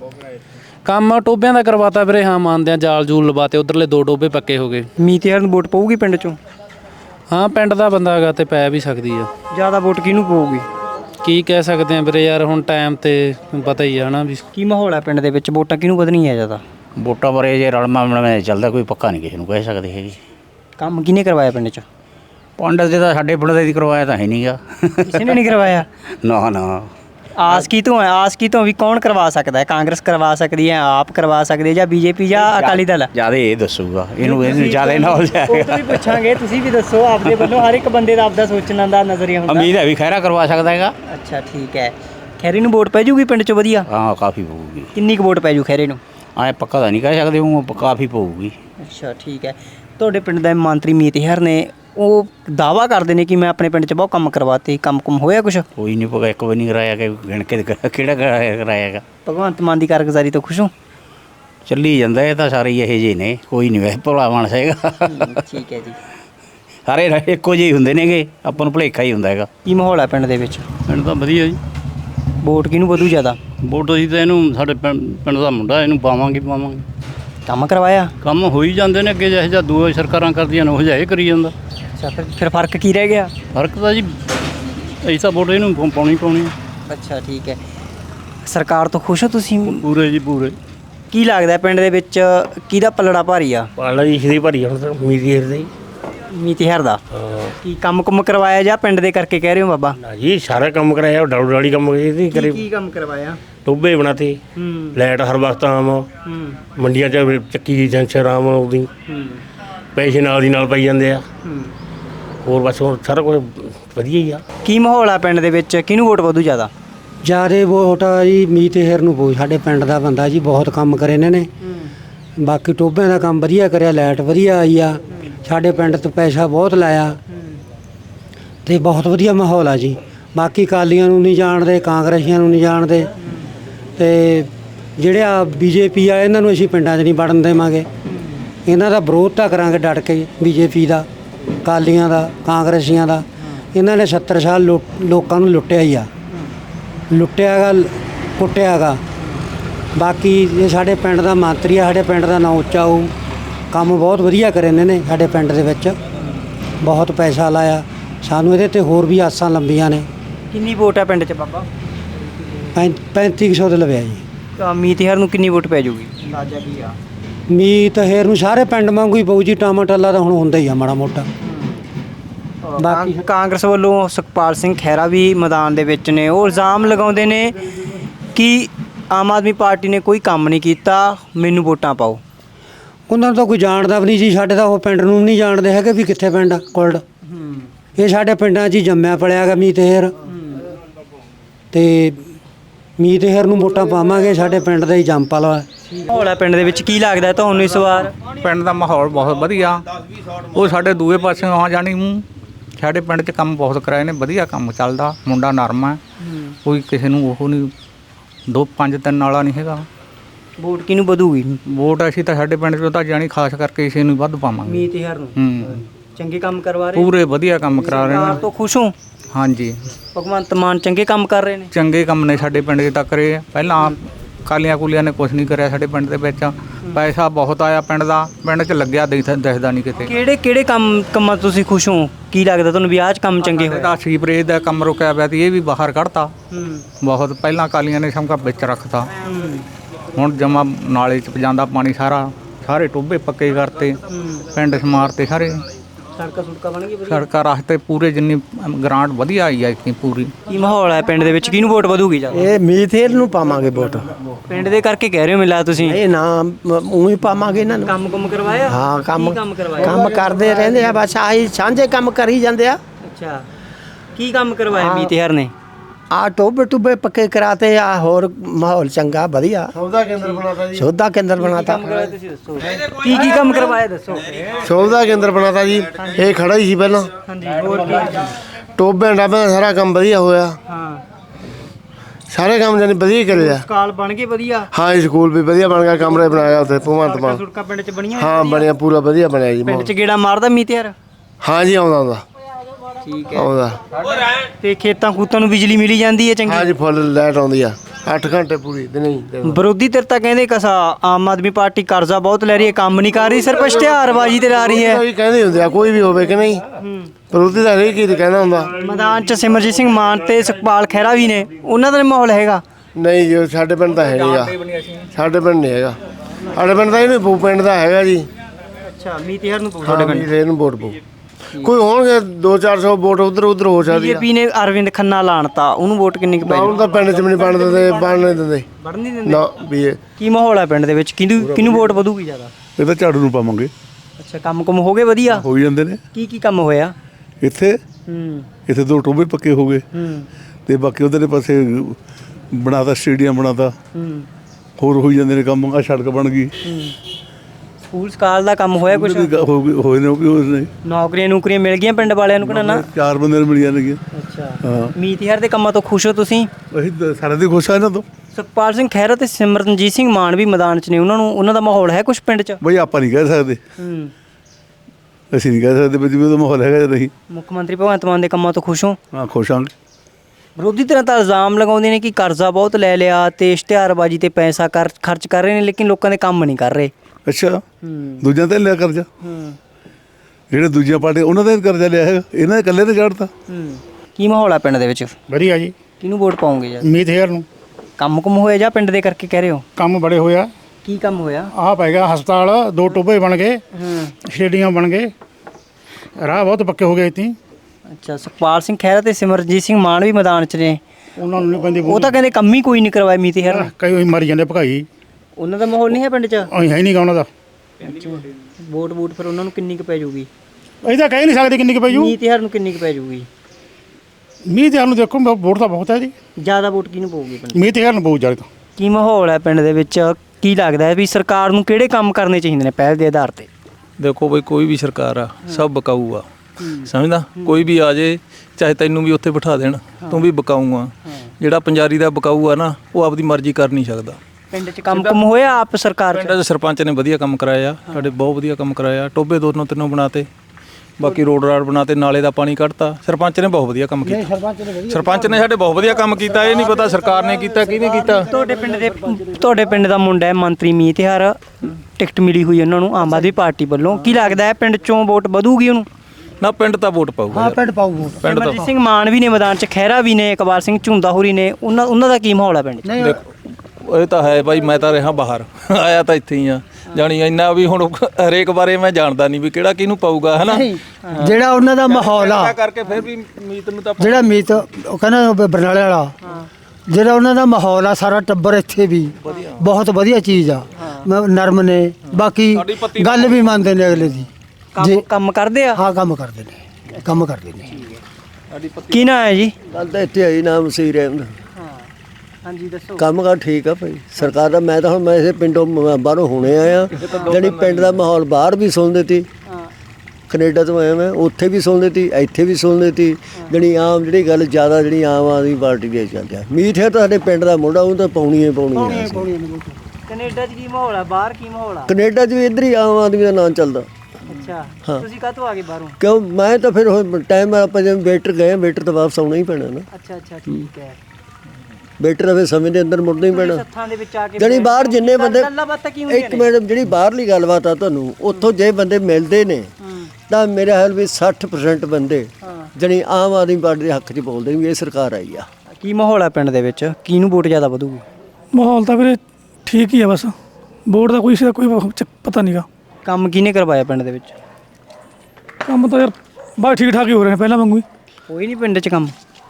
D: ਕੰਮ ਟੋਬਿਆਂ ਦਾ ਕਰਵਾਤਾ ਵੀਰੇ, ਹਾਂ ਮੰਨਦੇ ਆ, ਜਾਲ ਜੂਲ ਲਵਾਤੇ, ਉਧਰਲੇ ਦੋ ਟੋਬੇ ਪੱਕੇ ਹੋ ਗਏ।
B: ਮੀਤ ਹਰ ਨੂੰ ਵੋਟ ਪਊਗੀ ਪਿੰਡ 'ਚੋਂ?
D: ਹਾਂ, ਪਿੰਡ ਦਾ ਬੰਦਾ ਹੈਗਾ ਤੇ ਪੈ ਵੀ ਸਕਦੀ ਆ।
B: ਜ਼ਿਆਦਾ ਵੋਟ ਕਿਹਨੂੰ ਪਊਗੀ?
D: ਕੀ ਕਹਿ ਸਕਦੇ ਆ ਵੀਰੇ ਯਾਰ, ਹੁਣ ਟਾਈਮ ਤੇ ਪਤਾ ਹੀ ਆ ਨਾ ਵੀ।
B: ਕੀ ਮਾਹੌਲ ਹੈ ਪਿੰਡ ਦੇ ਵਿੱਚ? ਵੋਟਾਂ ਕਿਹਨੂੰ ਵਧਣੀਆਂ ਜ਼ਿਆਦਾ?
J: ਵੋਟਾਂ ਬਾਰੇ ਜੇ ਰਲਮਾ ਮਿਲਮਾ ਚੱਲਦਾ, ਕੋਈ ਪੱਕਾ ਨਹੀਂ ਕਿਸੇ ਨੂੰ ਕਹਿ ਸਕਦੇ ਹੈਗੇ।
B: ਕੰਮ ਕਿਹਨੇ ਕਰਵਾਇਆ ਪਿੰਡ 'ਚ?
J: ਪੰਡਤ ਦੇ ਤਾਂ ਸਾਡੇ ਪਿੰਡ ਦੇ ਕਰਵਾਇਆ ਤਾਂ ਹੈ ਨਹੀਂਗਾ।
B: ਕਿਸੇ ਨੇ ਨਹੀਂ ਕਰਵਾਇਆ?
J: ਨਾ ਨਾ।
B: ਆਸ ਕੀ ਤੋਂ ਹੈ? ਆਸ ਕੀ ਤੋਂ ਵੀ ਕੌਣ ਕਰਵਾ ਸਕਦਾ ਹੈ? ਕਾਂਗਰਸ ਕਰਵਾ ਸਕਦੀ ਹੈ, ਆਪ ਕਰਵਾ ਸਕਦੀ ਹੈ, ਜਾਂ ਬੀਜੇਪੀ ਜਾਂ ਅਕਾਲੀ ਦਲ?
J: ਜਿਆਦਾ ਇਹ ਦੱਸੂਗਾ, ਇਹਨੂੰ ਇਹਨੂੰ ਜਿਆਦਾ ਨੌਲੇਜ ਹੈ।
B: ਉਹ ਵੀ ਪੁੱਛਾਂਗੇ, ਤੁਸੀਂ ਵੀ ਦੱਸੋ ਆਪਦੇ ਵੱਲੋਂ। ਹਰ ਇੱਕ ਬੰਦੇ ਦਾ ਆਪਦਾ ਸੋਚਣ ਦਾ ਨਜ਼ਰੀਆ ਹੁੰਦਾ।
J: ਉਮੀਦ ਹੈ ਵੀ ਖੈਰਾ ਕਰਵਾ ਸਕਦਾ ਹੈਗਾ।
B: ਅੱਛਾ, ਠੀਕ ਹੈ। ਖੈਰੇ ਨੂੰ ਵੋਟ ਪੈ ਜੂਗੀ ਪਿੰਡ 'ਚ ਵਧੀਆ?
J: ਹਾਂ, ਕਾਫੀ ਪਊਗੀ।
B: ਕਿੰਨੀ ਕੁ ਵੋਟ ਪੈ ਜੂ ਖੈਰੇ ਨੂੰ?
J: ਐ ਪੱਕਾ ਤਾਂ ਨਹੀਂ ਕਹਿ ਸਕਦੇ, ਉਹ ਕਾਫੀ ਪਊਗੀ।
B: ਅੱਛਾ, ਠੀਕ ਹੈ। ਤੁਹਾਡੇ ਪਿੰਡ ਦਾ ਮੰਤਰੀ ਮੀਤ ਹਰ ਨੇ, ਉਹ ਦਾਵਾ ਕਰਦੇ ਨੇ ਕਿ ਮੈਂ ਆਪਣੇ ਪਿੰਡ 'ਚ ਬਹੁਤ ਕੰਮ ਕਰਵਾਤੇ। ਕੰਮ ਕੁਮ ਹੋਇਆ ਕੁਛ?
J: ਕੋਈ ਨਹੀਂ ਪਗਾ, ਇੱਕ ਵਾਰ ਨਹੀਂ ਕਰਾਇਆ ਕਿ ਗਿਣ ਕੇ ਦਿਖਾ- ਕਿਹੜਾ ਕਰਾਇਆ ਕਰਾਇਆ ਹੈਗਾ।
B: ਭਗਵੰਤ ਮਾਨ ਦੀ ਕਾਰਗੁਜ਼ਾਰੀ ਤੋਂ ਖੁਸ਼ ਹੋ?
J: ਚੱਲੀ ਜਾਂਦਾ, ਇਹ ਤਾਂ ਸਾਰੇ ਇਹੋ ਜਿਹੇ ਨੇ, ਕੋਈ ਨਹੀਂ ਵੈਸੇ ਭੋਲਾ ਮਾਨਸ ਹੈਗਾ।
B: ਠੀਕ ਹੈ ਜੀ।
J: ਸਾਰੇ ਇੱਕੋ ਜਿਹੇ ਹੁੰਦੇ ਨੇਗੇ, ਆਪਾਂ ਨੂੰ ਭੁਲੇਖਾ ਹੀ ਹੁੰਦਾ ਹੈਗਾ।
B: ਕੀ ਮਾਹੌਲ ਹੈ ਪਿੰਡ ਦੇ ਵਿੱਚ?
K: ਪਿੰਡ ਤਾਂ ਵਧੀਆ ਜੀ।
B: ਵੋਟ ਕਿਹਨੂੰ ਵਧੂ ਜ਼ਿਆਦਾ?
K: ਵੋਟ ਅਸੀਂ ਤਾਂ ਇਹਨੂੰ, ਸਾਡੇ ਪਿੰ- ਪਿੰਡ ਦਾ ਮੁੰਡਾ, ਇਹਨੂੰ ਪਾਵਾਂਗੇ ਪਾਵਾਂਗੇ।
B: ਕੰਮ ਕਰਵਾਇਆ?
K: ਕੰਮ ਹੋ ਹੀ ਜਾਂਦੇ ਨੇ ਅੱਗੇ, ਜਿਹੋ ਜਿਹਾ ਦੂਏ ਸਰਕਾਰਾਂ ਕਰਦੀਆਂ ਨੇ ਉਹ ਜਿਹਾ ਇਹ ਕਰੀ ਜਾਂਦਾ।
B: ਅੱਛਾ, ਫਿਰ ਫਿਰ ਫਰਕ ਕੀ ਰਹਿ ਗਿਆ?
K: ਫਰਕ ਤਾਂ ਜੀ ਅਸੀਂ ਤਾਂ ਵੋਟ ਇਹਨੂੰ ਪਾ- ਪਾਉਣੀ ਪਾਉਣੀ ਆ।
B: ਅੱਛਾ, ਠੀਕ ਹੈ। ਸਰਕਾਰ ਤੋਂ ਖੁਸ਼ ਹੋ ਤੁਸੀਂ?
K: ਪੂਰੇ ਜੀ ਪੂਰੇ।
B: ਕੀ ਲੱਗਦਾ ਪਿੰਡ ਦੇ ਵਿੱਚ ਕਿਹਦਾ ਪਲੜਾ ਭਾਰੀ ਆ?
I: ਪਾਲਾ ਜੀ ਸ਼੍ਰੀ ਭਰੀ ਹੁਣ ਤਾਂ ਮੀਤ ਹੇਰ ਦੇ।
B: ਮੀਤ ਹਰ ਦਾ? ਕੀ ਕੰਮ ਕੁਮ ਕਰਵਾਇਆ ਜਾਂ ਪਿੰਡ ਦੇ ਕਰਕੇ ਕਹਿ ਰਹੇ ਹੋ ਬਾਬਾ?
I: ਨਾ ਜੀ, ਸਾਰਾ ਕੰਮ ਕਰਾਇਆ, ਡਾਲੂ ਡਾਲੀ ਕੰਮ ਕੀਤੀ ਕਰੇ।
B: ਕੀ ਕੰਮ ਕਰਵਾਇਆ?
I: ਟੋਬੇ ਬਣਾਤੇ,
B: ਹੂੰ
I: ਲਾਈਟ ਹਰ ਵਕਤ ਆਮ,
B: ਹੂੰ
I: ਮੰਡੀਆਂ 'ਚ ਚੱਕੀ ਦੀ ਜੰਕਸ਼ਨ ਆਮ ਆਉਂਦੀ,
B: ਹੂੰ
I: ਪੈਸੇ ਨਾਲ ਦੀ ਨਾਲ ਪਾਈ ਜਾਂਦੇ ਆ।
B: ਹੂੰ।
I: ਹੋਰ ਬਸ ਹੋਰ ਸਾਰਾ ਕੁਝ ਵਧੀਆ ਹੀ ਆ।
B: ਕੀ ਮਾਹੌਲ ਆ ਪਿੰਡ ਦੇ ਵਿੱਚ? ਕਿਹਨੂੰ ਵੋਟ ਵਧੂ ਜ਼ਿਆਦਾ?
C: ਜਿਆਦੇ ਵੋਟ ਆ ਜੀ ਮੀਤ ਹੇਰ ਨੂੰ ਪਊ। ਸਾਡੇ ਪਿੰਡ ਦਾ ਬੰਦਾ ਜੀ, ਬਹੁਤ ਕੰਮ ਕਰੇ ਇਹਨਾਂ ਨੇ। ਬਾਕੀ ਟੋਭਿਆਂ ਦਾ ਕੰਮ ਵਧੀਆ ਕਰਿਆ, ਲਾਈਟ ਵਧੀਆ ਆਈ ਆ, ਸਾਡੇ ਪਿੰਡ ਤੋਂ ਪੈਸਾ ਬਹੁਤ ਲਾਇਆ ਤੇ ਬਹੁਤ ਵਧੀਆ ਮਾਹੌਲ ਆ ਜੀ। ਬਾਕੀ ਅਕਾਲੀਆਂ ਨੂੰ ਨਹੀਂ ਜਾਣਦੇ, ਕਾਂਗਰਸੀਆਂ ਨੂੰ ਨਹੀਂ ਜਾਣਦੇ ਤੇ ਜਿਹੜੇ ਆ ਬੀਜੇਪੀ ਆ ਇਹਨਾਂ ਨੂੰ ਅਸੀਂ ਪਿੰਡਾਂ 'ਚ ਨਹੀਂ ਵੜਨ ਦੇਵਾਂਗੇ। ਇਹਨਾਂ ਦਾ ਵਿਰੋਧ ਤਾਂ ਕਰਾਂਗੇ ਡਟ ਕੇ, ਬੀਜੇਪੀ ਦਾ, ਅਕਾਲੀਆਂ ਦਾ, ਕਾਂਗਰਸੀਆਂ ਦਾ। ਇਹਨਾਂ ਨੇ ਸੱਤਰ ਸਾਲ ਲੋ ਲੋਕਾਂ ਨੂੰ ਲੁੱਟਿਆ ਹੀ ਆ, ਲੁੱਟਿਆ ਗਾ, ਕੁੱਟਿਆ ਗਾ। ਬਾਕੀ ਇਹ ਸਾਡੇ ਪਿੰਡ ਦਾ ਮੰਤਰੀ ਆ, ਸਾਡੇ ਪਿੰਡ ਦਾ ਨਾਂ ਉੱਚਾ ਹੋਊ। ਕੰਮ ਬਹੁਤ ਵਧੀਆ ਕਰੇ ਇਹਨਾਂ ਨੇ ਸਾਡੇ ਪਿੰਡ ਦੇ ਵਿੱਚ, ਬਹੁਤ ਪੈਸਾ ਲਾਇਆ। ਸਾਨੂੰ ਇਹਦੇ 'ਤੇ ਹੋਰ ਵੀ ਆਸਾਂ ਲੰਬੀਆਂ ਨੇ।
B: ਕਿੰਨੀ ਵੋਟ ਹੈ ਪਿੰਡ 'ਚ ਬਾਬਾ?
C: ਪੈਂ ਪੈਂਤੀ ਕੁ ਸੌ ਦੇ ਲਵਿਆ ਜੀ।
B: ਤਾਂ ਮੀਤ ਹੇਰ ਨੂੰ ਕਿੰਨੀ ਵੋਟ ਪੈ ਜਾਊਗੀ, ਅੰਦਾਜ਼ਾ ਕੀ ਆ?
C: ਮੀਤ ਹੇਰ ਨੂੰ ਸਾਰੇ ਪਿੰਡ ਵਾਂਗੂ ਹੀ ਪਊ ਜੀ। ਟਾਮਾ ਟੱਲਾ ਤਾਂ ਹੁਣ ਹੁੰਦਾ ਹੀ ਆ ਮਾੜਾ ਮੋਟਾ।
B: ਬਾਕੀ ਕਾਂਗਰਸ ਵੱਲੋਂ ਸੁਖਪਾਲ ਸਿੰਘ ਖਹਿਰਾ ਵੀ ਮੈਦਾਨ ਦੇ ਵਿੱਚ ਨੇ। ਉਹ ਇਲਜ਼ਾਮ ਲਗਾਉਂਦੇ ਨੇ ਕਿ ਆਮ ਆਦਮੀ ਪਾਰਟੀ ਨੇ ਕੋਈ ਕੰਮ ਨਹੀਂ ਕੀਤਾ, ਮੈਨੂੰ ਵੋਟਾਂ ਪਾਓ।
C: ਉਹਨਾਂ ਨੂੰ ਤਾਂ ਕੋਈ ਜਾਣਦਾ ਵੀ ਨਹੀਂ ਜੀ। ਸਾਡੇ ਤਾਂ ਉਹ ਪਿੰਡ ਨੂੰ ਨਹੀਂ ਜਾਣਦੇ ਹੈਗੇ ਵੀ ਕਿੱਥੇ ਪਿੰਡ ਆ ਕੁਲਡ। ਇਹ ਸਾਡੇ ਪਿੰਡਾਂ 'ਚ ਹੀ ਜੰਮਿਆ ਪਲਿਆ ਗਾ ਮੀਤ ਹੇਰ ਤੇ ਮੀਤ ਹੇਰ ਨੂੰ ਵੋਟਾਂ ਪਾਵਾਂਗੇ। ਸਾਡੇ ਪਿੰਡ ਦਾ ਹੀ ਜੰਮਪਲ ਆ।
B: ਮਾਹੌਲ ਹੈ ਪਿੰਡ ਦੇ ਵਿੱਚ, ਕੀ ਲੱਗਦਾ ਤੁਹਾਨੂੰ ਇਸ ਵਾਰ?
L: ਪਿੰਡ ਦਾ ਮਾਹੌਲ ਬਹੁਤ ਵਧੀਆ। ਉਹ ਸਾਡੇ ਦੂਏ ਪਾਸੇ ਆ ਜਾਣੀ ਮੂੰਹ। ਸਾਡੇ ਪਿੰਡ 'ਚ ਕੰਮ ਬਹੁਤ ਕਰਾਏ ਨੇ, ਵਧੀਆ ਕੰਮ ਚੱਲਦਾ। ਮੁੰਡਾ ਨਰਮ ਹੈ, ਕੋਈ ਕਿਸੇ ਨੂੰ ਉਹ ਨਹੀਂ, ਦੋ ਪੰਜ ਤਿੰਨ ਵਾਲਾ ਨਹੀਂ ਹੈਗਾ।
B: ਵੋਟ ਕਿਹਨੂੰ ਵਧੂਗੀ?
L: ਵੋਟ ਅਸੀਂ ਤਾਂ ਸਾਡੇ ਪਿੰਡ 'ਚ ਤਾਂ ਜਾਣੀ ਖਾਸ ਕਰਕੇ ਇਸੇ ਨੂੰ ਵੱਧ ਪਾਵਾਂਗੇ।
B: ਮੀਤ ਹੇਰ ਨੂੰ।
L: ਹੂੰ,
B: ਚੰਗੇ ਕੰਮ ਕਰਵਾ ਰਹੇ,
L: ਪੂਰੇ ਵਧੀਆ ਕੰਮ ਕਰਾ ਰਹੇ
B: ਸਰਕਾਰ
L: ਨੇ।
B: ਤੋਂ ਖੁਸ਼ ਹੋ?
L: ਹਾਂਜੀ,
B: ਭਗਵੰਤ ਮਾਨ ਚੰਗੇ ਕੰਮ ਕਰ ਰਹੇ ਨੇ।
L: ਚੰਗੇ ਕੰਮ ਨੇ ਸਾਡੇ ਪਿੰਡ 'ਚ ਤਾਂ ਕਰੇ। ਪਹਿਲਾਂ ਕਾਲੀਆਂ ਕੁਲੀਆਂ ਨੇ ਕੁਝ ਨਹੀਂ ਕਰਿਆ ਸਾਡੇ ਪਿੰਡ ਦੇ ਵਿੱਚ। ਪੈਸਾ ਬਹੁਤ ਆਇਆ ਪਿੰਡ ਦਾ, ਪਿੰਡ 'ਚ ਲੱਗਿਆ ਦਿਖ- ਦਿਖਦਾ ਨਹੀਂ ਕਿਤੇ।
B: ਕਿਹੜੇ ਕਿਹੜੇ ਕੰਮ ਕੰਮਾਂ ਤੋਂ ਤੁਸੀਂ ਖੁਸ਼ ਹੋ? ਕੀ ਲੱਗਦਾ ਤੁਹਾਨੂੰ ਵੀ ਆਹ 'ਚ ਕੰਮ ਚੰਗੇ ਹੋਏ?
L: ਦਾ ਸੀਵਰੇਜ ਦਾ ਕੰਮ ਰੁਕਿਆ ਪਿਆ ਸੀ, ਇਹ ਵੀ ਬਾਹਰ ਕੱਢਤਾ। ਬਹੁਤ ਪਹਿਲਾਂ ਕਾਲੀਆਂ ਨੇ ਸਮਕਾ ਵਿੱਚ ਰੱਖਤਾ, ਹੁਣ ਜਮਾ ਨਾਲੇ 'ਚ ਜਾਂਦਾ ਪਾਣੀ ਸਾਰਾ। ਸਾਰੇ ਟੋਭੇ ਪੱਕੇ ਕਰਤੇ, ਪਿੰਡ ਸਮਾਰਤੇ ਸਾਰੇ।
B: ਸੜਕਾਂ ਸੁੜਕਾਂ ਬਣ ਗਈ ਵਧੀਆ?
L: ਸੜਕਾਂ ਰਸਤੇ ਪੂਰੇ, ਜਿੰਨੀ ਗ੍ਰਾਂਟ ਵਧੀਆ ਆਈ ਹੈ ਇਤਨੀ ਪੂਰੀ।
B: ਕੀ ਮਾਹੌਲ ਹੈ ਪਿੰਡ ਦੇ ਵਿੱਚ, ਕਿਹਨੂੰ ਵੋਟ ਵਧੂਗੀ ਜ਼ਿਆਦਾ?
E: ਇਹ ਮੀਤ ਹੇਰ ਨੂੰ ਪਾਵਾਂਗੇ ਵੋਟ।
B: ਪਿੰਡ ਦੇ ਕਰਕੇ ਕਹਿ ਰਹੇ ਹੋ ਮਿਲਾ ਤੁਸੀਂ?
E: ਇਹ ਨਾ ਉਹੀ ਪਾਵਾਂਗੇ ਇਹਨਾਂ ਨੂੰ।
B: ਕੰਮ ਕੁਮ ਕਰਵਾਇਆ?
E: ਹਾਂ, ਕੰਮ
B: ਕੀ ਕੰਮ ਕਰਵਾਇਆ?
E: ਕੰਮ ਕਰਦੇ ਰਹਿੰਦੇ ਆ, ਬਸ ਆਹੀ ਸਾਂਝੇ ਕੰਮ ਕਰੀ ਜਾਂਦੇ ਆ।
B: ਅੱਛਾ, ਕੀ ਕੰਮ ਕਰਵਾਇਆ ਮੀਤ ਹੇਰ ਨੇ?
E: ਆ ਟੋਬੇ ਟੁੱਬੇ ਪੱਕੇ ਕਰਾਤੇ ਆ, ਹੋਰ ਮਾਹੌਲ ਚੰਗਾ ਵਧੀਆ। ਸੌਦਾ ਕੇਂਦਰ ਬਣਾਤਾ ਜੀ। ਸੌਦਾ ਕੇਂਦਰ ਬਣਾਤਾ।
B: ਤੁਸੀਂ ਦੱਸੋ ਕੀ ਕੀ ਕੰਮ ਕਰਵਾਇਆ, ਦੱਸੋ।
E: ਸੌਦਾ ਕੇਂਦਰ ਬਣਾਤਾ ਜੀ, ਇਹ ਖੜਾ ਹੀ ਸੀ ਪਹਿਲਾਂ।
B: ਹਾਂਜੀ, ਹੋਰ ਕੀ?
E: ਟੋਬੇ ਡਾਬਿਆਂ ਦਾ ਸਾਰਾ ਕੰਮ ਵਧੀਆ ਹੋਇਆ।
B: ਹਾਂ,
E: ਸਾਰੇ ਕੰਮ ਜਾਨੀ ਵਧੀਆ ਕਰਿਆ।
B: ਸਕਾਲ ਬਣ ਗਏ ਵਧੀਆ?
E: ਹਾਂ, ਸਕੂਲ ਵੀ ਵਧੀਆ ਬਣ ਗਿਆ, ਕਮਰੇ ਬਣਾਇਆ ਉੱਥੇ ਭਗਵੰਤ ਮਾਨ।
B: ਸੁੜਕਾਂ ਪਿੰਡ 'ਚ ਬਣੀਆਂ?
E: ਹਾਂ, ਬਣਿਆ, ਪੂਰਾ ਵਧੀਆ ਬਣਿਆ ਜੀ।
B: ਪਿੰਡ 'ਚ ਗੇੜਾ ਮਾਰਦਾ ਮੀਤ ਹੇਰ?
E: ਹਾਂ ਜੀ, ਆਉਂਦਾ ਆਉਂਦਾ
B: ਠੀਕ ਹੈ।
E: ਆਉਂਦਾ।
B: ਤੇ ਖੇਤਾਂ ਖੂਤਾਂ ਨੂੰ ਬਿਜਲੀ ਮਿਲੀ ਜਾਂਦੀ ਹੈ ਚੰਗੀ?
E: ਹਾਂ ਜੀ, ਫੁੱਲ ਲਾਈਟ ਆਉਂਦੀ ਆ, ਅੱਠ ਘੰਟੇ ਪੂਰੀ ਦਿਨ ਹੀ।
B: ਵਿਰੋਧੀ ਧਿਰ ਤਾਂ ਕਹਿੰਦੇ ਕਸਾ ਆਮ ਆਦਮੀ ਪਾਰਟੀ ਕਰਜ਼ਾ ਬਹੁਤ ਲੈ ਰਹੀ ਹੈ, ਕੰਮ ਨਹੀਂ ਕਰ ਰਹੀ, ਸਿਰਫ ਇਸ਼ਤਿਹਾਰਬਾਜ਼ੀ ਤੇ ਲਾ ਰਹੀ ਹੈ।
E: ਕੋਈ ਕਹਿੰਦੇ ਹੁੰਦੇ ਆ, ਕੋਈ ਵੀ ਹੋਵੇ ਕਿ ਨਹੀਂ, ਵਿਰੋਧੀ ਦਾ ਹਰੇਕ ਹੀ ਕਹਿੰਦਾ ਹੁੰਦਾ।
B: ਮੈਦਾਨ 'ਚ ਸਿਮਰਜੀਤ ਸਿੰਘ ਮਾਨ ਤੇ ਸੁਖਪਾਲ ਖਹਿਰਾ ਵੀ ਨੇ, ਉਹਨਾਂ ਦਾ ਮਾਹੌਲ ਹੈਗਾ?
E: ਨਹੀਂ ਜੀ, ਸਾਡੇ ਪਿੰਡ ਤਾਂ ਹੈ ਨਹੀਂਗਾ। ਸਾਡੇ ਪਿੰਡ ਨਹੀਂ ਹੈਗਾ। ਸਾਡੇ ਪਿੰਡ ਦਾ ਇਹ ਨਹੀਂ, ਪਿੰਡ ਦਾ ਹੈਗਾ ਜੀ।
B: ਅੱਛਾ, ਮੀਤ ਹੇਰ ਨੂੰ ਤੁਹਾਡੇ ਪਿੰਡ?
E: ਇਹਨੂੰ ਵੋਟ ਪਊ। ਕੋਈ ਹੋਣਗੇ ਦੋ ਚਾਰ ਸੌ ਵੋਟ ਉਧਰ ਉਧਰ ਹੋ ਸਕਦੀ ਆ।
B: ਬੀਜੇਪੀ ਨੇ ਅਰਵਿੰਦ ਖੰਨਾ ਲਾਣਤਾ, ਉਹਨੂੰ ਵੋਟ ਕਿੰਨੀ ਕੁ ਪੈ
E: ਉਹਨੂੰ ਤਾਂ ਪਿੰਡ 'ਚ ਵੀ ਨਹੀਂ ਬਣ ਦਿੰਦੇ, ਬਣ ਨਹੀਂ ਦਿੰਦੇ।
B: ਵੜਨ ਨਹੀਂ ਦਿੰਦੇ
E: ਨਾ ਵੀ ਇਹ
B: ਕੀ ਮਾਹੌਲ ਹੈ ਪਿੰਡ ਦੇ ਵਿੱਚ, ਕਿਹਨੂੰ ਕਿਹਨੂੰ ਵੋਟ ਵਧੂਗੀ ਜ਼ਿਆਦਾ?
H: ਇਹ ਤਾਂ ਝਾੜੂ ਨੂੰ ਪਾਵਾਂਗੇ।
B: ਅੱਛਾ, ਕੰਮ ਕੁਮ ਹੋ ਗਏ ਵਧੀਆ?
H: ਹੋ ਹੀ ਜਾਂਦੇ ਨੇ
B: ਕੀ ਕੀ ਕੰਮ ਹੋਇਆ
H: ਇੱਥੇ।
B: ਹੂੰ
H: ਇੱਥੇ ਦੋ ਟੋਭੇ ਪੱਕੇ ਹੋ ਗਏ
B: ਹੂੰ
H: ਤੇ ਬਾਕੀ ਉਧਰਲੇ ਪਾਸੇ ਬਣਾਤਾ, ਸਟੇਡੀਅਮ ਬਣਾਤਾ।
B: ਹੂੰ
H: ਹੋਰ ਹੋਈ ਜਾਂਦੇ ਨੇ ਕੰਮ। ਆ ਸੜਕ ਬਣ ਗਈ।
B: ਸਕੂਲ ਸਕਾਲ ਦਾ ਕੰਮ ਹੋਇਆ ਕੁਝ?
H: ਹੋ ਗਏ ਹੋਏ ਨੇ ਉਹ ਵੀ ਉਸਨੇ।
B: ਨੌਕਰੀਆਂ ਨੌਕਰੀਆਂ ਮਿਲ ਗਈਆਂ ਪਿੰਡ ਵਾਲਿਆਂ ਨੂੰ ਕਿ ਨਾ?
H: ਚਾਰ ਬੰਦੇ ਨੂੰ ਮਿਲੀਆਂ ਨੇ।
B: ਅੱਛਾ,
H: ਹਾਂ।
B: ਮੀਤ ਹੇਰ ਦੇ ਕੰਮਾਂ ਤੋਂ ਖੁਸ਼ ਹੋ ਤੁਸੀਂ?
H: ਅਸੀਂ ਤਾਂ ਸਾਰਿਆਂ ਦੀ ਖੁਸ਼ ਆ ਇਹਨਾਂ ਤੋਂ।
B: ਸੁਖਪਾਲ ਸਿੰਘ ਖਹਿਰਾ ਤੇ ਸਿਮਰਨਜੀਤ ਸਿੰਘ ਮਾਨ ਵੀ ਮੈਦਾਨ 'ਚ ਨੇ, ਉਹਨਾਂ ਨੂੰ ਉਹਨਾਂ ਦਾ ਮਾਹੌਲ ਹੈ ਕੁਝ ਪਿੰਡ 'ਚ?
H: ਬਈ ਆਪਾਂ ਨਹੀਂ ਕਹਿ ਸਕਦੇ,
B: ਹੂੰ
H: ਅਸੀਂ ਨਹੀਂ ਕਹਿ ਸਕਦੇ ਵੀ ਜਿਵੇਂ ਉਹਦਾ ਮਾਹੌਲ ਹੈਗਾ ਜਾਂ ਨਹੀਂ।
B: ਮੁੱਖ ਮੰਤਰੀ ਭਗਵੰਤ ਮਾਨ ਦੇ ਕੰਮਾਂ ਤੋਂ ਖੁਸ਼ ਹੋ?
H: ਹਾਂ, ਖੁਸ਼ ਹਾਂ।
B: ਵਿਰੋਧੀ ਧਿਰਾਂ ਤਾਂ ਇਲਜ਼ਾਮ ਲਗਾਉਂਦੇ ਨੇ ਕਿ ਕਰਜ਼ਾ ਬਹੁਤ ਲੈ ਲਿਆ ਤੇ ਇਸ਼ਤਿਹਾਰਬਾਜ਼ੀ ਤੇ ਪੈਸਾ ਕਰ ਖਰਚ ਕਰ ਰਹੇ ਨੇ, ਲੇਕਿਨ ਲੋਕਾਂ ਦੇ ਕੰਮ ਨਹੀਂ ਕਰ ਰਹੇ।
H: ਅੱਛਾ,
B: ਹੂੰ
H: ਦੂਜਿਆਂ ਤੇ ਲਿਆ ਕਰਜ਼ਾ।
B: ਹੂੰ
H: ਜਿਹੜੇ ਦੂਜੀਆਂ ਪਾਰਟੀਆਂ ਉਹਨਾਂ ਦਾ ਕਰਜ਼ਾ ਲਿਆ ਹੈਗਾ, ਇਹਨਾਂ ਦੇ ਇਕੱਲੇ ਤੇ ਚੜ੍ਹਤਾ।
B: ਹੂੰ ਕੀ ਮਾਹੌਲ ਆ ਪਿੰਡ ਦੇ ਵਿੱਚ?
F: ਵਧੀਆ ਜੀ।
B: ਕਿਹਨੂੰ ਵੋਟ ਪਾਉਂਗੇ ਯਾਰ?
F: ਮੀਤ ਹੇਰ ਨੂੰ।
B: ਕੰਮ ਕੁਮ ਹੋਇਆ ਜਾਂ ਪਿੰਡ ਦੇ ਕਰਕੇ ਕਹਿ ਰਹੇ ਹੋ?
F: ਕੰਮ ਬੜੇ ਹੋਇਆ।
B: ਕੀ ਕੰਮ ਹੋਇਆ?
F: ਆਹ ਪੈ ਗਿਆ ਹਸਪਤਾਲ, ਦੋ ਟੋਭੇ ਬਣ ਗਏ,
B: ਹੂੰ
F: ਸਟੇਡੀਅਮ ਬਣ ਗਏ, ਰਾਹ ਬਹੁਤ ਪੱਕੇ ਹੋ ਗਏ ਇੱਥੇ।
B: ਅੱਛਾ, ਸੁਖਪਾਲ ਸਿੰਘ ਖਹਿਰਾ ਤੇ ਸਿਮਰਜੀਤ ਸਿੰਘ ਮਾਨ ਵੀ ਮੈਦਾਨ 'ਚ ਨੇ,
F: ਉਹਨਾਂ ਨੂੰ ਨਹੀਂ ਪੈਂਦੀ
B: ਉਹ ਤਾਂ ਕਹਿੰਦੇ ਕੰਮ ਹੀ ਕੋਈ ਨਹੀਂ ਕਰਵਾਇਆ ਮੀਤ ਹੇਰ ਨੇ।
F: ਕਈ ਉਹੀ ਮਰ ਜਾਂਦੇ ਭਕਾਈ।
B: ਉਹਨਾਂ ਦਾ ਮਾਹੌਲ ਨਹੀਂ ਹੈ ਪਿੰਡ 'ਚ?
F: ਅਸੀਂ ਹੈ ਨਹੀਂ ਗਾ ਉਹਨਾਂ ਦਾ।
B: ਵੋਟ ਵੋਟ ਫਿਰ ਉਹਨਾਂ ਨੂੰ ਕਿੰਨੀ ਕੁ ਪੈ ਜਾਊਗੀ?
F: ਅਸੀਂ ਤਾਂ ਕਹਿ ਨਹੀਂ ਸਕਦੇ ਕਿੰਨੀ ਕੁ ਪੈ ਜੂ।
B: ਮੀਤ ਹੇਰ ਨੂੰ ਕਿੰਨੀ ਕੁ ਪੈ ਜਾਊਗੀ?
M: ਮੀਤ ਹੇਰ ਨੂੰ ਦੇਖੋ ਵੋਟ ਤਾਂ ਬਹੁਤ ਹੈ ਜੀ।
B: ਜ਼ਿਆਦਾ ਵੋਟ ਕਿਹਨੂੰ ਪਊਗੀ ਪਿੰਡ?
M: ਮੀਤ ਹੇਰ ਨੂੰ ਬਹੁਤ ਜ਼ਿਆਦਾ।
B: ਕੀ ਮਾਹੌਲ ਹੈ ਪਿੰਡ ਦੇ ਵਿੱਚ? ਕੀ ਲੱਗਦਾ ਹੈ ਵੀ ਸਰਕਾਰ ਨੂੰ ਕਿਹੜੇ ਕੰਮ ਕਰਨੇ ਚਾਹੀਦੇ ਨੇ ਪਹਿਲ ਦੇ ਆਧਾਰ ਤੇ?
N: ਦੇਖੋ ਬਈ ਕੋਈ ਵੀ ਸਰਕਾਰ ਆ ਸਭ ਬਕਾਊ ਆ, ਸਮਝਦਾ? ਕੋਈ ਵੀ ਆ ਜੇ ਚਾਹੇ ਤੈਨੂੰ ਵੀ ਉੱਥੇ ਬਿਠਾ ਦੇਣ, ਤੂੰ ਵੀ ਬਕਾਊ ਆ। ਜਿਹੜਾ ਪੰਜਾਰੀ ਦਾ ਬਕਾਊ ਆ ਨਾ, ਉਹ ਆਪਦੀ ਮਰਜ਼ੀ ਕਰ ਨਹੀਂ ਸਕਦਾ।
B: ਪਿੰਡ 'ਚ ਕੰਮ ਕੰਮ ਹੋਇਆ ਆਪ ਸਰਕਾਰ 'ਚ?
N: ਪਿੰਡ 'ਚ ਸਰਪੰਚ ਨੇ ਵਧੀਆ ਕੰਮ ਕਰਾਇਆ, ਸਾਡੇ ਬਹੁਤ ਵਧੀਆ ਕੰਮ ਕਰਾਇਆ। ਟੋਭੇ ਦੋਨੋਂ ਤਿੰਨੋਂ ਬਣਾਤੇ, ਬਾਕੀ ਰੋਡ ਰਾਡ ਬਣਾਤੇ, ਨਾਲੇ ਦਾ ਪਾਣੀ ਕੱਢਤਾ। ਸਰਪੰਚ ਨੇ ਬਹੁਤ ਵਧੀਆ ਕੰਮ ਕੀਤਾ। ਸਰਪੰਚ ਨੇ ਸਾਡੇ ਬਹੁਤ ਵਧੀਆ ਕੰਮ ਕੀਤਾ। ਇਹ ਨਹੀਂ ਪਤਾ ਸਰਕਾਰ ਨੇ ਕੀਤਾ ਕਿਹਨੇ ਕੀਤਾ।
B: ਤੁਹਾਡੇ ਪਿੰਡ ਦੇ ਤੁਹਾਡੇ ਪਿੰਡ ਦਾ ਮੁੰਡਾ ਹੈ ਮੰਤਰੀ ਮੀਤ ਹੇਰ, ਟਿਕਟ ਮਿਲੀ ਹੋਈ ਉਹਨਾਂ ਨੂੰ ਆਮ ਆਦਮੀ ਪਾਰਟੀ ਵੱਲੋਂ। ਕੀ ਲੱਗਦਾ ਹੈ ਪਿੰਡ 'ਚੋਂ ਵੋਟ ਵਧੂਗੀ ਉਹਨੂੰ?
N: ਨਾ ਪਿੰਡ ਤਾਂ ਵੋਟ ਪਾਊਗਾ।
C: ਹਾਂ ਪਿੰਡ ਪਾਊ ਵੋਟ।
N: ਪਿੰਡ ਤਾਂ
B: ਅਮਰਜੀਤ ਸਿੰਘ ਮਾਨ ਵੀ ਨੇ ਮੈਦਾਨ 'ਚ, ਖਹਿਰਾ ਵੀ ਨੇ, ਇਕਬਾਲ ਸਿੰਘ ਝੁੰਦਾ ਹੋਰੀ ਨੇ, ਉਹਨਾਂ ਉਹਨਾਂ ਦਾ ਕੀ ਮਾਹੌਲ ਹੈ ਪਿੰਡ 'ਚ?
N: ਦੇਖੋ ਇਹ ਤਾਂ ਹੈ ਭਾਈ, ਮੈਂ ਤਾਂ ਰਿਹਾ ਬਾਹਰ, ਆਇਆ ਤਾਂ ਇੱਥੇ ਹੀ ਆ। ਜਾਣੀ ਇੰਨਾ ਵੀ ਹੁਣ ਹਰੇਕ ਬਾਰੇ ਮੈਂ ਜਾਣਦਾ ਨਹੀਂ ਵੀ ਕਿਹੜਾ ਕਿਹਨੂੰ ਪਾਊਗਾ, ਹੈ ਨਾ?
C: ਜਿਹੜਾ ਉਹਨਾਂ ਦਾ ਮਾਹੌਲ ਆ
N: ਕਰਕੇ ਫਿਰ ਵੀ ਮੀਤ ਨੂੰ ਤਾਂ
C: ਜਿਹੜਾ ਮੀਤ ਉਹ ਕਹਿੰਦਾ ਬਰਨਾਲੇ ਵਾਲਾ, ਜਿਹੜਾ ਉਹਨਾਂ ਦਾ ਮਾਹੌਲ ਆ ਸਾਰਾ ਟੱਬਰ ਇੱਥੇ ਵੀ ਬਹੁਤ ਵਧੀਆ ਚੀਜ਼ ਆ। ਨਰਮ ਨੇ, ਬਾਕੀ ਗੱਲ ਵੀ ਮੰਨਦੇ ਨੇ ਅਗਲੇ ਦੀ।
B: ਕੰਮ ਕੰਮ ਕਰਦੇ ਆ?
C: ਹਾਂ ਕੰਮ ਕਰਦੇ ਨੇ, ਕੰਮ ਕਰਦੇ ਨੇ।
B: ਕੀ ਨਾਂ ਹੈ ਜੀ?
O: ਗੱਲ ਤਾਂ ਇੱਥੇ ਆਈ ਨਾਮ ਸੀ ਰਹਿੰਦਾ।
B: ਹਾਂਜੀ ਦੱਸੋ।
O: ਕੰਮ ਕਾਰ ਠੀਕ ਆ ਭਾਈ ਸਰਕਾਰ ਦਾ। ਮੈਂ ਤਾਂ ਹੁਣ ਮੈਂ ਇਸੇ ਪਿੰਡੋਂ ਬਾਹਰੋਂ ਹੁਣੇ ਆਇਆ, ਜਾਣੀ ਪਿੰਡ ਦਾ ਮਾਹੌਲ ਬਾਹਰ ਵੀ ਸੁਣਦੇ ਤੀ, ਕੈਨੇਡਾ ਤੋਂ ਆਇਆ ਮੈਂ, ਉੱਥੇ ਵੀ ਸੁਣਦੇ ਤੀ, ਇੱਥੇ ਵੀ ਸੁਣਦੇ ਤੀ। ਜਾਣੀ ਆਮ ਜਿਹੜੀ ਗੱਲ ਜ਼ਿਆਦਾ ਜਿਹੜੀ ਆਮ ਆਦਮੀ ਪਾਰਟੀ ਦੀ ਚੱਲਦੀ। ਮੀਤ ਹੇਰ ਤਾਂ ਸਾਡੇ ਪਿੰਡ ਦਾ ਮੁੰਡਾ, ਉਹ ਤਾਂ ਪਾਉਣੀ ਹੈ ਪਾਉਣੀ ਹੈ।
B: ਕੈਨੇਡਾ 'ਚ ਕੀ ਮਾਹੌਲ ਹੈ? ਬਾਹਰ ਕੀ ਮਾਹੌਲ ਆ?
O: ਕੈਨੇਡਾ 'ਚ ਵੀ ਇੱਧਰ ਹੀ ਆਮ ਆਦਮੀ ਦਾ ਨਾਂ ਚੱਲਦਾ।
B: ਅੱਛਾ,
O: ਹਾਂ।
B: ਤੁਸੀਂ ਕਾਹਤੋਂ ਆ ਗਏ ਬਾਹਰੋਂ?
O: ਕਿਉਂ ਮੈਂ ਤਾਂ ਫਿਰ ਹੁਣ ਟਾਈਮ ਆਪਾਂ ਜਿਵੇਂ ਵੇਟਰ ਗਏ, ਵੇਟਰ ਤਾਂ ਵਾਪਸ ਆਉਣਾ ਹੀ ਪੈਣਾ ਨਾ।
B: ਅੱਛਾ ਅੱਛਾ ਠੀਕ ਹੈ।
O: ਵੇਟਰ ਦਾ ਫਿਰ ਸਮੇਂ ਦੇ ਅੰਦਰ ਮੁੜਨਾ ਹੀ ਪੈਣਾ।
B: ਸੱਥਾਂ ਦੇ ਵਿੱਚ ਆ ਕੇ
O: ਜਿਹੜੀ ਬਾਹਰ ਜਿੰਨੇ ਬੰਦੇ,
B: ਗੱਲਾਂ-ਬਾਤਾਂ ਕੀ ਹੁੰਦੀਆਂ
O: ਇੱਕ ਮਿੰਟ, ਜਿਹੜੀ ਬਾਹਰਲੀ ਗੱਲਬਾਤ ਆ ਤੁਹਾਨੂੰ ਉੱਥੋਂ ਜੇ ਬੰਦੇ ਮਿਲਦੇ ਨੇ ਤਾਂ ਮੇਰੇ ਹਾਲ ਵੀ ਸੱਠ ਪਰਸੈਂਟ ਬੰਦੇ ਜਿਹੜੀ ਆਮ ਆਦਮੀ ਪਾਰਟੀ ਦੇ ਹੱਕ 'ਚ ਬੋਲਦੇ ਵੀ ਇਹ ਸਰਕਾਰ ਆਈ ਆ।
B: ਕੀ ਮਾਹੌਲ ਹੈ ਪਿੰਡ ਦੇ ਵਿੱਚ? ਕਿਹਨੂੰ ਵੋਟ ਜ਼ਿਆਦਾ ਵਧੂਗੀ?
K: ਮਾਹੌਲ ਤਾਂ ਵੀਰੇ ਠੀਕ ਹੀ ਆ, ਬਸ ਵੋਟ ਦਾ ਕੋਈ ਕਿਸੇ ਦਾ ਕੋਈ ਚ- ਪਤਾ ਨਹੀਂਗਾ।
B: ਕੰਮ ਕਿਹਨੇ ਕਰਵਾਇਆ ਪਿੰਡ ਦੇ ਵਿੱਚ?
K: ਕੰਮ ਤਾਂ ਯਾਰ ਬਸ ਠੀਕ ਠਾਕ ਹੀ ਹੋ ਰਹੇ ਨੇ ਪਹਿਲਾਂ ਵਾਂਗੂ ਹੀ।
B: ਹੋਈ ਨਹੀਂ ਪਿੰਡ 'ਚ ਕੰਮ?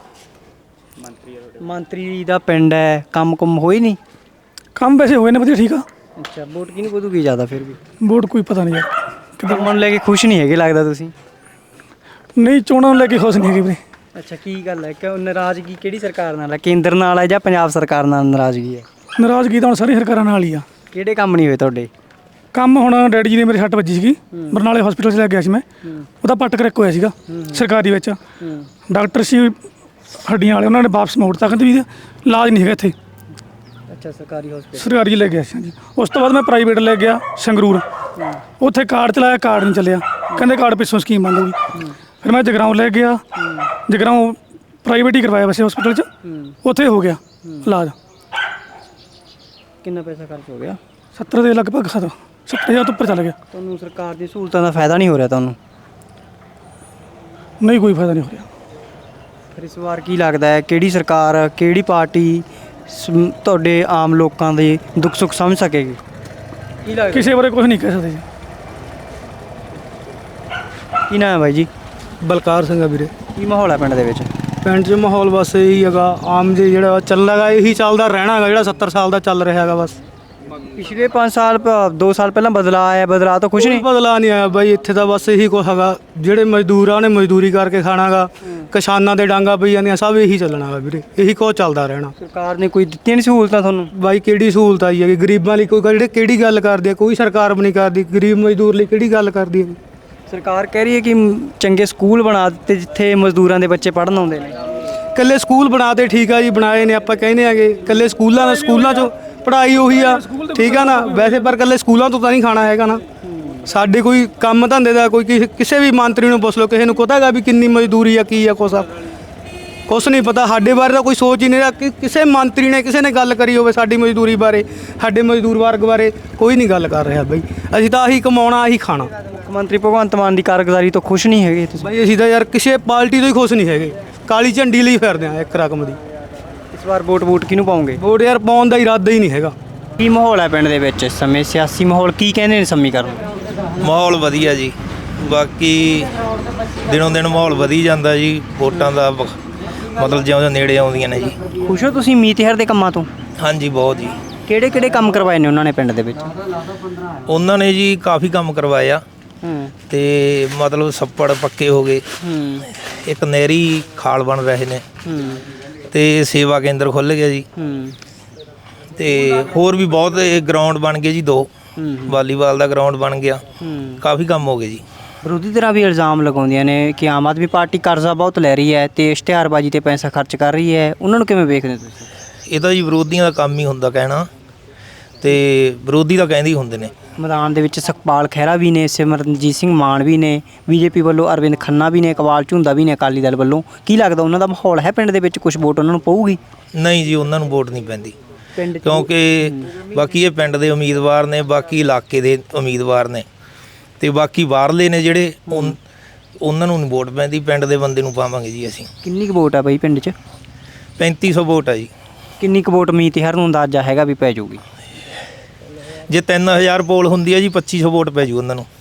B: ਮੰਤਰੀ ਦਾ ਪਿੰਡ ਹੈ, ਕੰਮ ਕੁੰਮ ਹੋਈ ਨਹੀਂ?
K: ਕੰਮ ਵੈਸੇ ਹੋਏ ਨੇ ਵਧੀਆ ਠੀਕ ਆ।
B: ਅੱਛਾ, ਵੋਟ ਕਿਹਨੂੰ ਵਧੂਗੀ ਜ਼ਿਆਦਾ ਫਿਰ ਵੀ?
K: ਵੋਟ ਕੋਈ ਪਤਾ ਨਹੀਂ ਯਾਰ।
B: ਕੰਮ ਨੂੰ ਲੈ ਕੇ ਖੁਸ਼ ਨਹੀਂ ਹੈਗੇ ਲੱਗਦਾ ਤੁਸੀਂ?
K: ਨਹੀਂ, ਚੋਣਾਂ ਨੂੰ ਲੈ ਕੇ ਖੁਸ਼ ਨਹੀਂ ਹੈਗੇ ਵੀਰੇ।
B: ਅੱਛਾ, ਕੀ ਗੱਲ ਹੈ? ਕਿਉਂ ਨਾਰਾਜ਼ਗੀ ਕਿਹੜੀ ਸਰਕਾਰ ਨਾਲ ਹੈ? ਕੇਂਦਰ ਨਾਲ ਹੈ ਜਾਂ ਪੰਜਾਬ ਸਰਕਾਰ ਨਾਲ ਨਾਰਾਜ਼ਗੀ ਹੈ?
K: ਨਾਰਾਜ਼ਗੀ ਤਾਂ ਹੁਣ ਸਾਰੀ ਸਰਕਾਰਾਂ ਨਾਲ ਹੀ ਆ।
B: ਕਿਹੜੇ ਕੰਮ ਨਹੀਂ ਹੋਏ ਤੁਹਾਡੇ?
K: ਕੰਮ ਹੁਣ ਡੈਡੀ ਜੀ ਨੇ ਮੇਰੇ ਸੱਟ ਵੱਜੀ ਸੀਗੀ, ਬਰਨਾਲੇ ਹਸਪੀਟਲ 'ਚ ਲੈ ਗਿਆ ਸੀ ਮੈਂ, ਉਹਦਾ ਪੱਟ ਕਰੈਕ ਹੋਇਆ ਸੀਗਾ ਸਰਕਾਰੀ ਵਿੱਚ। ਡਾਕਟਰ ਸੀ ਹੱਡੀਆਂ ਵਾਲੇ, ਉਹਨਾਂ ਨੇ ਵਾਪਸ ਮੋੜਤਾ, ਕਹਿੰਦੇ ਵੀ ਇਲਾਜ ਨਹੀਂ ਹੈਗਾ ਇੱਥੇ।
B: ਅੱਛਾ, ਸਰਕਾਰੀ ਹਸਪੀਟਲ
K: ਸਰਕਾਰੀ ਲੈ ਗਿਆ ਸੀ ਹਾਂਜੀ। ਉਸ ਤੋਂ ਬਾਅਦ ਮੈਂ ਪ੍ਰਾਈਵੇਟ ਲੈ ਗਿਆ ਸੰਗਰੂਰ, ਉੱਥੇ ਕਾਰਡ ਚਲਾਇਆ, ਕਾਰਡ ਨਹੀਂ ਚੱਲਿਆ, ਕਹਿੰਦੇ ਕਾਰਡ ਪਿੱਛੋਂ ਸਕੀਮ ਬੰਦ ਹੋ ਗਈ। ਫਿਰ ਮੈਂ ਜਗਰਾਉਂ ਲੈ ਗਿਆ, ਜਗਰਾਉਂ ਪ੍ਰਾਈਵੇਟ ਹੀ ਕਰਵਾਇਆ ਵੈਸੇ ਹਸਪੀਟਲ 'ਚ, ਉੱਥੇ ਹੋ ਗਿਆ ਇਲਾਜ।
B: ਕਿੰਨਾ ਪੈਸਾ ਖਰਚ ਹੋ ਗਿਆ?
K: ਸੱਤਰ ਦੇ ਲਗਭਗ ਖਤ ਸੱਤਰ ਹਜ਼ਾਰ ਤੋਂ ਉੱਪਰ ਚੱਲ ਗਿਆ।
B: ਤੁਹਾਨੂੰ ਸਰਕਾਰ ਦੀ ਸਹੂਲਤਾਂ ਦਾ ਫਾਇਦਾ ਨਹੀਂ ਹੋ ਰਿਹਾ ਤੁਹਾਨੂੰ?
K: ਨਹੀਂ, ਕੋਈ ਫਾਇਦਾ ਨਹੀਂ ਹੋ ਰਿਹਾ।
B: ਫਿਰ ਇਸ ਵਾਰ ਕੀ ਲੱਗਦਾ ਹੈ ਕਿਹੜੀ ਸਰਕਾਰ, ਕਿਹੜੀ ਪਾਰਟੀ ਸ- ਤੁਹਾਡੇ ਆਮ ਲੋਕਾਂ ਦੇ ਦੁੱਖ ਸੁੱਖ ਸਮਝ ਸਕੇਗੀ? ਕੀ ਲੱਗਦਾ?
K: ਕਿਸੇ ਬਾਰੇ ਕੁਝ ਨਹੀਂ ਕਹਿ ਸਕਦੇ ਜੀ।
B: ਕੀ ਨਾਮ ਹੈ ਬਾਈ ਜੀ?
F: ਬਲਕਾਰ ਸਿੰਘ ਆ ਵੀਰੇ।
B: ਕੀ ਮਾਹੌਲ ਹੈ ਪਿੰਡ ਦੇ ਵਿੱਚ?
F: ਪਿੰਡ 'ਚ ਮਾਹੌਲ ਬਸ ਇਹੀ ਹੈਗਾ, ਆਮ ਜੇ ਜਿਹੜਾ ਚੱਲਦਾ ਹੈਗਾ ਇਹੀ ਚੱਲਦਾ ਰਹਿਣਾ ਹੈਗਾ, ਜਿਹੜਾ ਸੱਤਰ ਸਾਲ ਦਾ ਚੱਲ ਰਿਹਾ ਹੈਗਾ ਬਸ।
B: ਪਿਛਲੇ ਪੰਜ ਸਾਲ ਦੋ ਸਾਲ ਪਹਿਲਾਂ ਬਦਲਾਅ ਆਇਆ, ਬਦਲਾਅ ਤਾਂ ਕੁਛ
F: ਕੋਈ
B: ਨਹੀਂ?
F: ਬਦਲਾਅ ਨਹੀਂ ਆਇਆ ਬਾਈ, ਇੱਥੇ ਤਾਂ ਬਸ ਇਹੀ ਕੁਛ ਹੈਗਾ। ਜਿਹੜੇ ਮਜ਼ਦੂਰ ਆ ਉਹਨੇ ਮਜ਼ਦੂਰੀ ਕਰਕੇ ਖਾਣਾਗਾ, ਕਿਸਾਨਾਂ ਦੇ ਡਾਂਗਾ ਪਈ ਜਾਂਦੀਆਂ, ਸਭ ਇਹੀ ਚੱਲਣਾ ਗਾ ਵੀਰੇ, ਇਹੀ ਕੁਛ ਚੱਲਦਾ ਰਹਿਣਾ।
B: ਸਰਕਾਰ ਨੇ ਕੋਈ ਦਿੱਤੀਆਂ ਨਹੀਂ ਸਹੂਲਤਾਂ ਤੁਹਾਨੂੰ?
F: ਬਾਈ ਕਿਹੜੀ ਸਹੂਲਤ ਆਈ ਹੈਗੀ ਗਰੀਬਾਂ ਲਈ? ਕੋਈ ਜਿਹੜੇ ਕਿਹੜੀ ਗੱਲ ਕਰਦੀ ਹੈ? ਕੋਈ ਸਰਕਾਰ ਵੀ ਨਹੀਂ ਕਰਦੀ। ਗਰੀਬ ਮਜ਼ਦੂਰ ਲਈ ਕਿਹੜੀ ਗੱਲ ਕਰਦੀ ਹੈ?
B: ਸਰਕਾਰ ਕਹਿ ਰਹੀ ਹੈ ਕਿ ਚੰਗੇ ਸਕੂਲ ਬਣਾ ਦਿੱਤੇ ਜਿੱਥੇ ਮਜ਼ਦੂਰਾਂ ਦੇ ਬੱਚੇ ਪੜ੍ਹਨ ਆਉਂਦੇ ਨੇ।
F: ਇਕੱਲੇ ਸਕੂਲ ਬਣਾਤੇ, ਠੀਕ ਆ ਜੀ, ਬਣਾਏ ਨੇ, ਆਪਾਂ ਕਹਿੰਦੇ ਆਗੇ ਇਕੱਲੇ ਸਕੂਲਾਂ ਦਾ, ਸਕੂਲਾਂ 'ਚੋਂ ਪੜ੍ਹਾਈ ਉਹੀ ਆ, ਠੀਕ ਆ ਨਾ ਵੈਸੇ, ਪਰ ਇਕੱਲੇ ਸਕੂਲਾਂ ਤੋਂ ਤਾਂ ਨਹੀਂ ਖਾਣਾ ਹੈਗਾ ਨਾ। ਸਾਡੇ ਕੋਈ ਕੰਮ ਧੰਦੇ ਦਾ ਕੋਈ ਕਿਸੇ ਕਿਸੇ ਵੀ ਮੰਤਰੀ ਨੂੰ ਪੁੱਛ ਲਓ, ਕਿਸੇ ਨੂੰ ਪਤਾ ਹੈਗਾ ਵੀ ਕਿੰਨੀ ਮਜ਼ਦੂਰੀ ਆ, ਕੀ ਆ, ਕੁਛ ਆ ਕੁਛ ਨਹੀਂ ਪਤਾ। ਸਾਡੇ ਬਾਰੇ ਤਾਂ ਕੋਈ ਸੋਚ ਹੀ ਨਹੀਂ ਰਿਹਾ ਕਿ ਕਿਸੇ ਮੰਤਰੀ ਨੇ ਕਿਸੇ ਨੇ ਗੱਲ ਕਰੀ ਹੋਵੇ ਸਾਡੀ ਮਜ਼ਦੂਰੀ ਬਾਰੇ, ਸਾਡੇ ਮਜ਼ਦੂਰ ਵਰਗ ਬਾਰੇ ਕੋਈ ਨਹੀਂ ਗੱਲ ਕਰ ਰਿਹਾ ਬਈ। ਅਸੀਂ ਤਾਂ ਆਹੀ ਕਮਾਉਣਾ, ਆਹੀ ਖਾਣਾ।
B: ਮੁੱਖ ਮੰਤਰੀ ਭਗਵੰਤ ਮਾਨ ਦੀ ਕਾਰਗੁਜ਼ਾਰੀ ਤੋਂ ਖੁਸ਼ ਨਹੀਂ ਹੈਗੇ ਤੁਸੀਂ?
F: ਬਈ ਅਸੀਂ ਤਾਂ ਯਾਰ ਕਿਸੇ ਪਾਰਟੀ ਤੋਂ ਹੀ ਖੁਸ਼ ਨਹੀਂ ਹੈਗੇ, ਕਾਲੀ ਝੰਡੀ ਲਈ ਫਿਰਦੇ ਆ ਇੱਕ ਰਕਮ ਦੀ।
B: ਇਸ ਵਾਰ ਵੋਟ ਵੋਟ ਕਿਹਨੂੰ ਪਾਉਂਗੇ?
F: ਵੋਟ ਯਾਰ ਪਾਉਣ ਦਾ ਇਰਾਦਾ ਹੀ ਨਹੀਂ ਹੈਗਾ।
B: ਕੀ ਮਾਹੌਲ ਹੈ ਪਿੰਡ ਦੇ ਵਿੱਚ ਇਸ ਸਮੇਂ? ਸਿਆਸੀ ਮਾਹੌਲ ਕੀ ਕਹਿੰਦੇ ਨੇ ਸਮੀਕਰਨ?
P: ਮਾਹੌਲ ਵਧੀਆ ਜੀ, ਬਾਕੀ ਦਿਨੋਂ ਦਿਨ ਮਾਹੌਲ ਵਧੀ ਜਾਂਦਾ ਜੀ। ਵੋਟਾਂ ਦਾ ਵ- ਮਤਲਬ ਜਿਉਂ ਜਿਉਂ ਨੇੜੇ ਆਉਂਦੀਆਂ ਨੇ ਜੀ।
B: ਖੁਸ਼ ਹੋ ਤੁਸੀਂ ਮੀਤ ਹੇਰ ਦੇ ਕੰਮਾਂ ਤੋਂ?
P: ਹਾਂਜੀ ਬਹੁਤ ਜੀ।
B: ਕਿਹੜੇ ਕਿਹੜੇ ਕੰਮ ਕਰਵਾਏ ਨੇ ਉਹਨਾਂ ਨੇ ਪਿੰਡ ਦੇ ਵਿੱਚ?
P: ਉਹਨਾਂ ਨੇ ਜੀ ਕਾਫੀ ਕੰਮ ਕਰਵਾਏ ਆ। ਤੇ ਮਤਲਬ ਛੱਪੜ ਪੱਕੇ ਹੋ ਗਏ, ਇੱਕ ਨਹਿਰੀ ਖਾਲ ਬਣ ਰਹੇ ਨੇ ਤੇ ਸੇਵਾ ਕੇਂਦਰ ਖੁੱਲ੍ਹ ਗਿਆ ਜੀ, ਤੇ ਹੋਰ ਵੀ ਬਹੁਤ ਗਰਾਊਂਡ ਬਣ ਗਏ ਜੀ, ਦੋ ਵਾਲੀਬਾਲ ਦਾ ਗਰਾਊਂਡ ਬਣ ਗਿਆ, ਕਾਫੀ ਕੰਮ ਹੋ ਗਏ ਜੀ।
B: ਵਿਰੋਧੀ ਧਿਰਾਂ ਵੀ ਇਲਜ਼ਾਮ ਲਗਾਉਂਦੀਆਂ ਨੇ ਕਿ ਆਮ ਆਦਮੀ ਪਾਰਟੀ ਕਰਜ਼ਾ ਬਹੁਤ ਲੈ ਰਹੀ ਹੈ ਤੇ ਇਸ਼ਤਿਹਾਰਬਾਜ਼ੀ ਤੇ ਪੈਸਾ ਖਰਚ ਕਰ ਰਹੀ ਹੈ, ਉਹਨਾਂ ਨੂੰ ਕਿਵੇਂ ਵੇਖਦੇ ਤੁਸੀਂ?
P: ਇਹ ਤਾਂ ਜੀ ਵਿਰੋਧੀਆਂ ਦਾ ਕੰਮ ਹੀ ਹੁੰਦਾ ਕਹਿਣਾ, ਤੇ ਵਿਰੋਧੀ ਤਾਂ ਕਹਿੰਦੇ ਹੀ ਹੁੰਦੇ ਨੇ।
B: ਮੈਦਾਨ ਦੇ ਵਿੱਚ ਸੁਖਪਾਲ ਖਹਿਰਾ ਵੀ ਨੇ, ਸਿਮਰਨਜੀਤ ਸਿੰਘ ਮਾਨ ਵੀ ਨੇ, ਬੀਜੇਪੀ ਵੱਲੋਂ ਅਰਵਿੰਦ ਖੰਨਾ ਵੀ ਨੇ, ਇਕਬਾਲ ਝੁੰਦਾ ਵੀ ਨੇ ਅਕਾਲੀ ਦਲ ਵੱਲੋਂ। ਕੀ ਲੱਗਦਾ ਉਹਨਾਂ ਦਾ ਮਾਹੌਲ ਹੈ ਪਿੰਡ ਦੇ ਵਿੱਚ, ਕੁਝ ਵੋਟ ਉਹਨਾਂ ਨੂੰ ਪਊਗੀ? ਨਹੀਂ
P: ਜੀ, ਉਹਨਾਂ ਨੂੰ ਵੋਟ ਨਹੀਂ ਪੈਂਦੀ, ਕਿਉਂਕਿ ਬਾਕੀ ਇਹ ਪਿੰਡ ਦੇ ਉਮੀਦਵਾਰ ਨੇ, ਬਾਕੀ ਇਲਾਕੇ ਦੇ ਉਮੀਦਵਾਰ ਨੇ, ਤੇ ਬਾਕੀ ਬਾਹਰਲੇ ਨੇ ਜਿਹੜੇ, ਉਹਨਾਂ ਨੂੰ ਨਹੀਂ ਵੋਟ ਪੈਂਦੀ, ਪਿੰਡ ਦੇ ਬੰਦੇ ਨੂੰ ਪਾਵਾਂਗੇ ਜੀ ਅਸੀਂ।
B: ਕਿੰਨੀ ਕੁ ਵੋਟ ਆ ਬਈ ਪਿੰਡ 'ਚ?
P: ਪੈਂਤੀ ਸੌ ਵੋਟ ਆ ਜੀ।
B: ਕਿੰਨੀ ਕੁ ਵੋਟ ਮੀਤਿਹਰ ਨੂੰ ਅੰਦਾਜ਼ਾ ਹੈਗਾ ਵੀ ਪੈ ਜਾਊਗੀ?
P: ਜੇ ਤਿੰਨ ਹਜ਼ਾਰ ਪੋਲ ਹੁੰਦੀ ਹੈ ਜੀ, ਪੱਚੀ ਸੌ ਵੋਟ ਪੈ ਜੂ ਉਹਨਾਂ ਨੂੰ।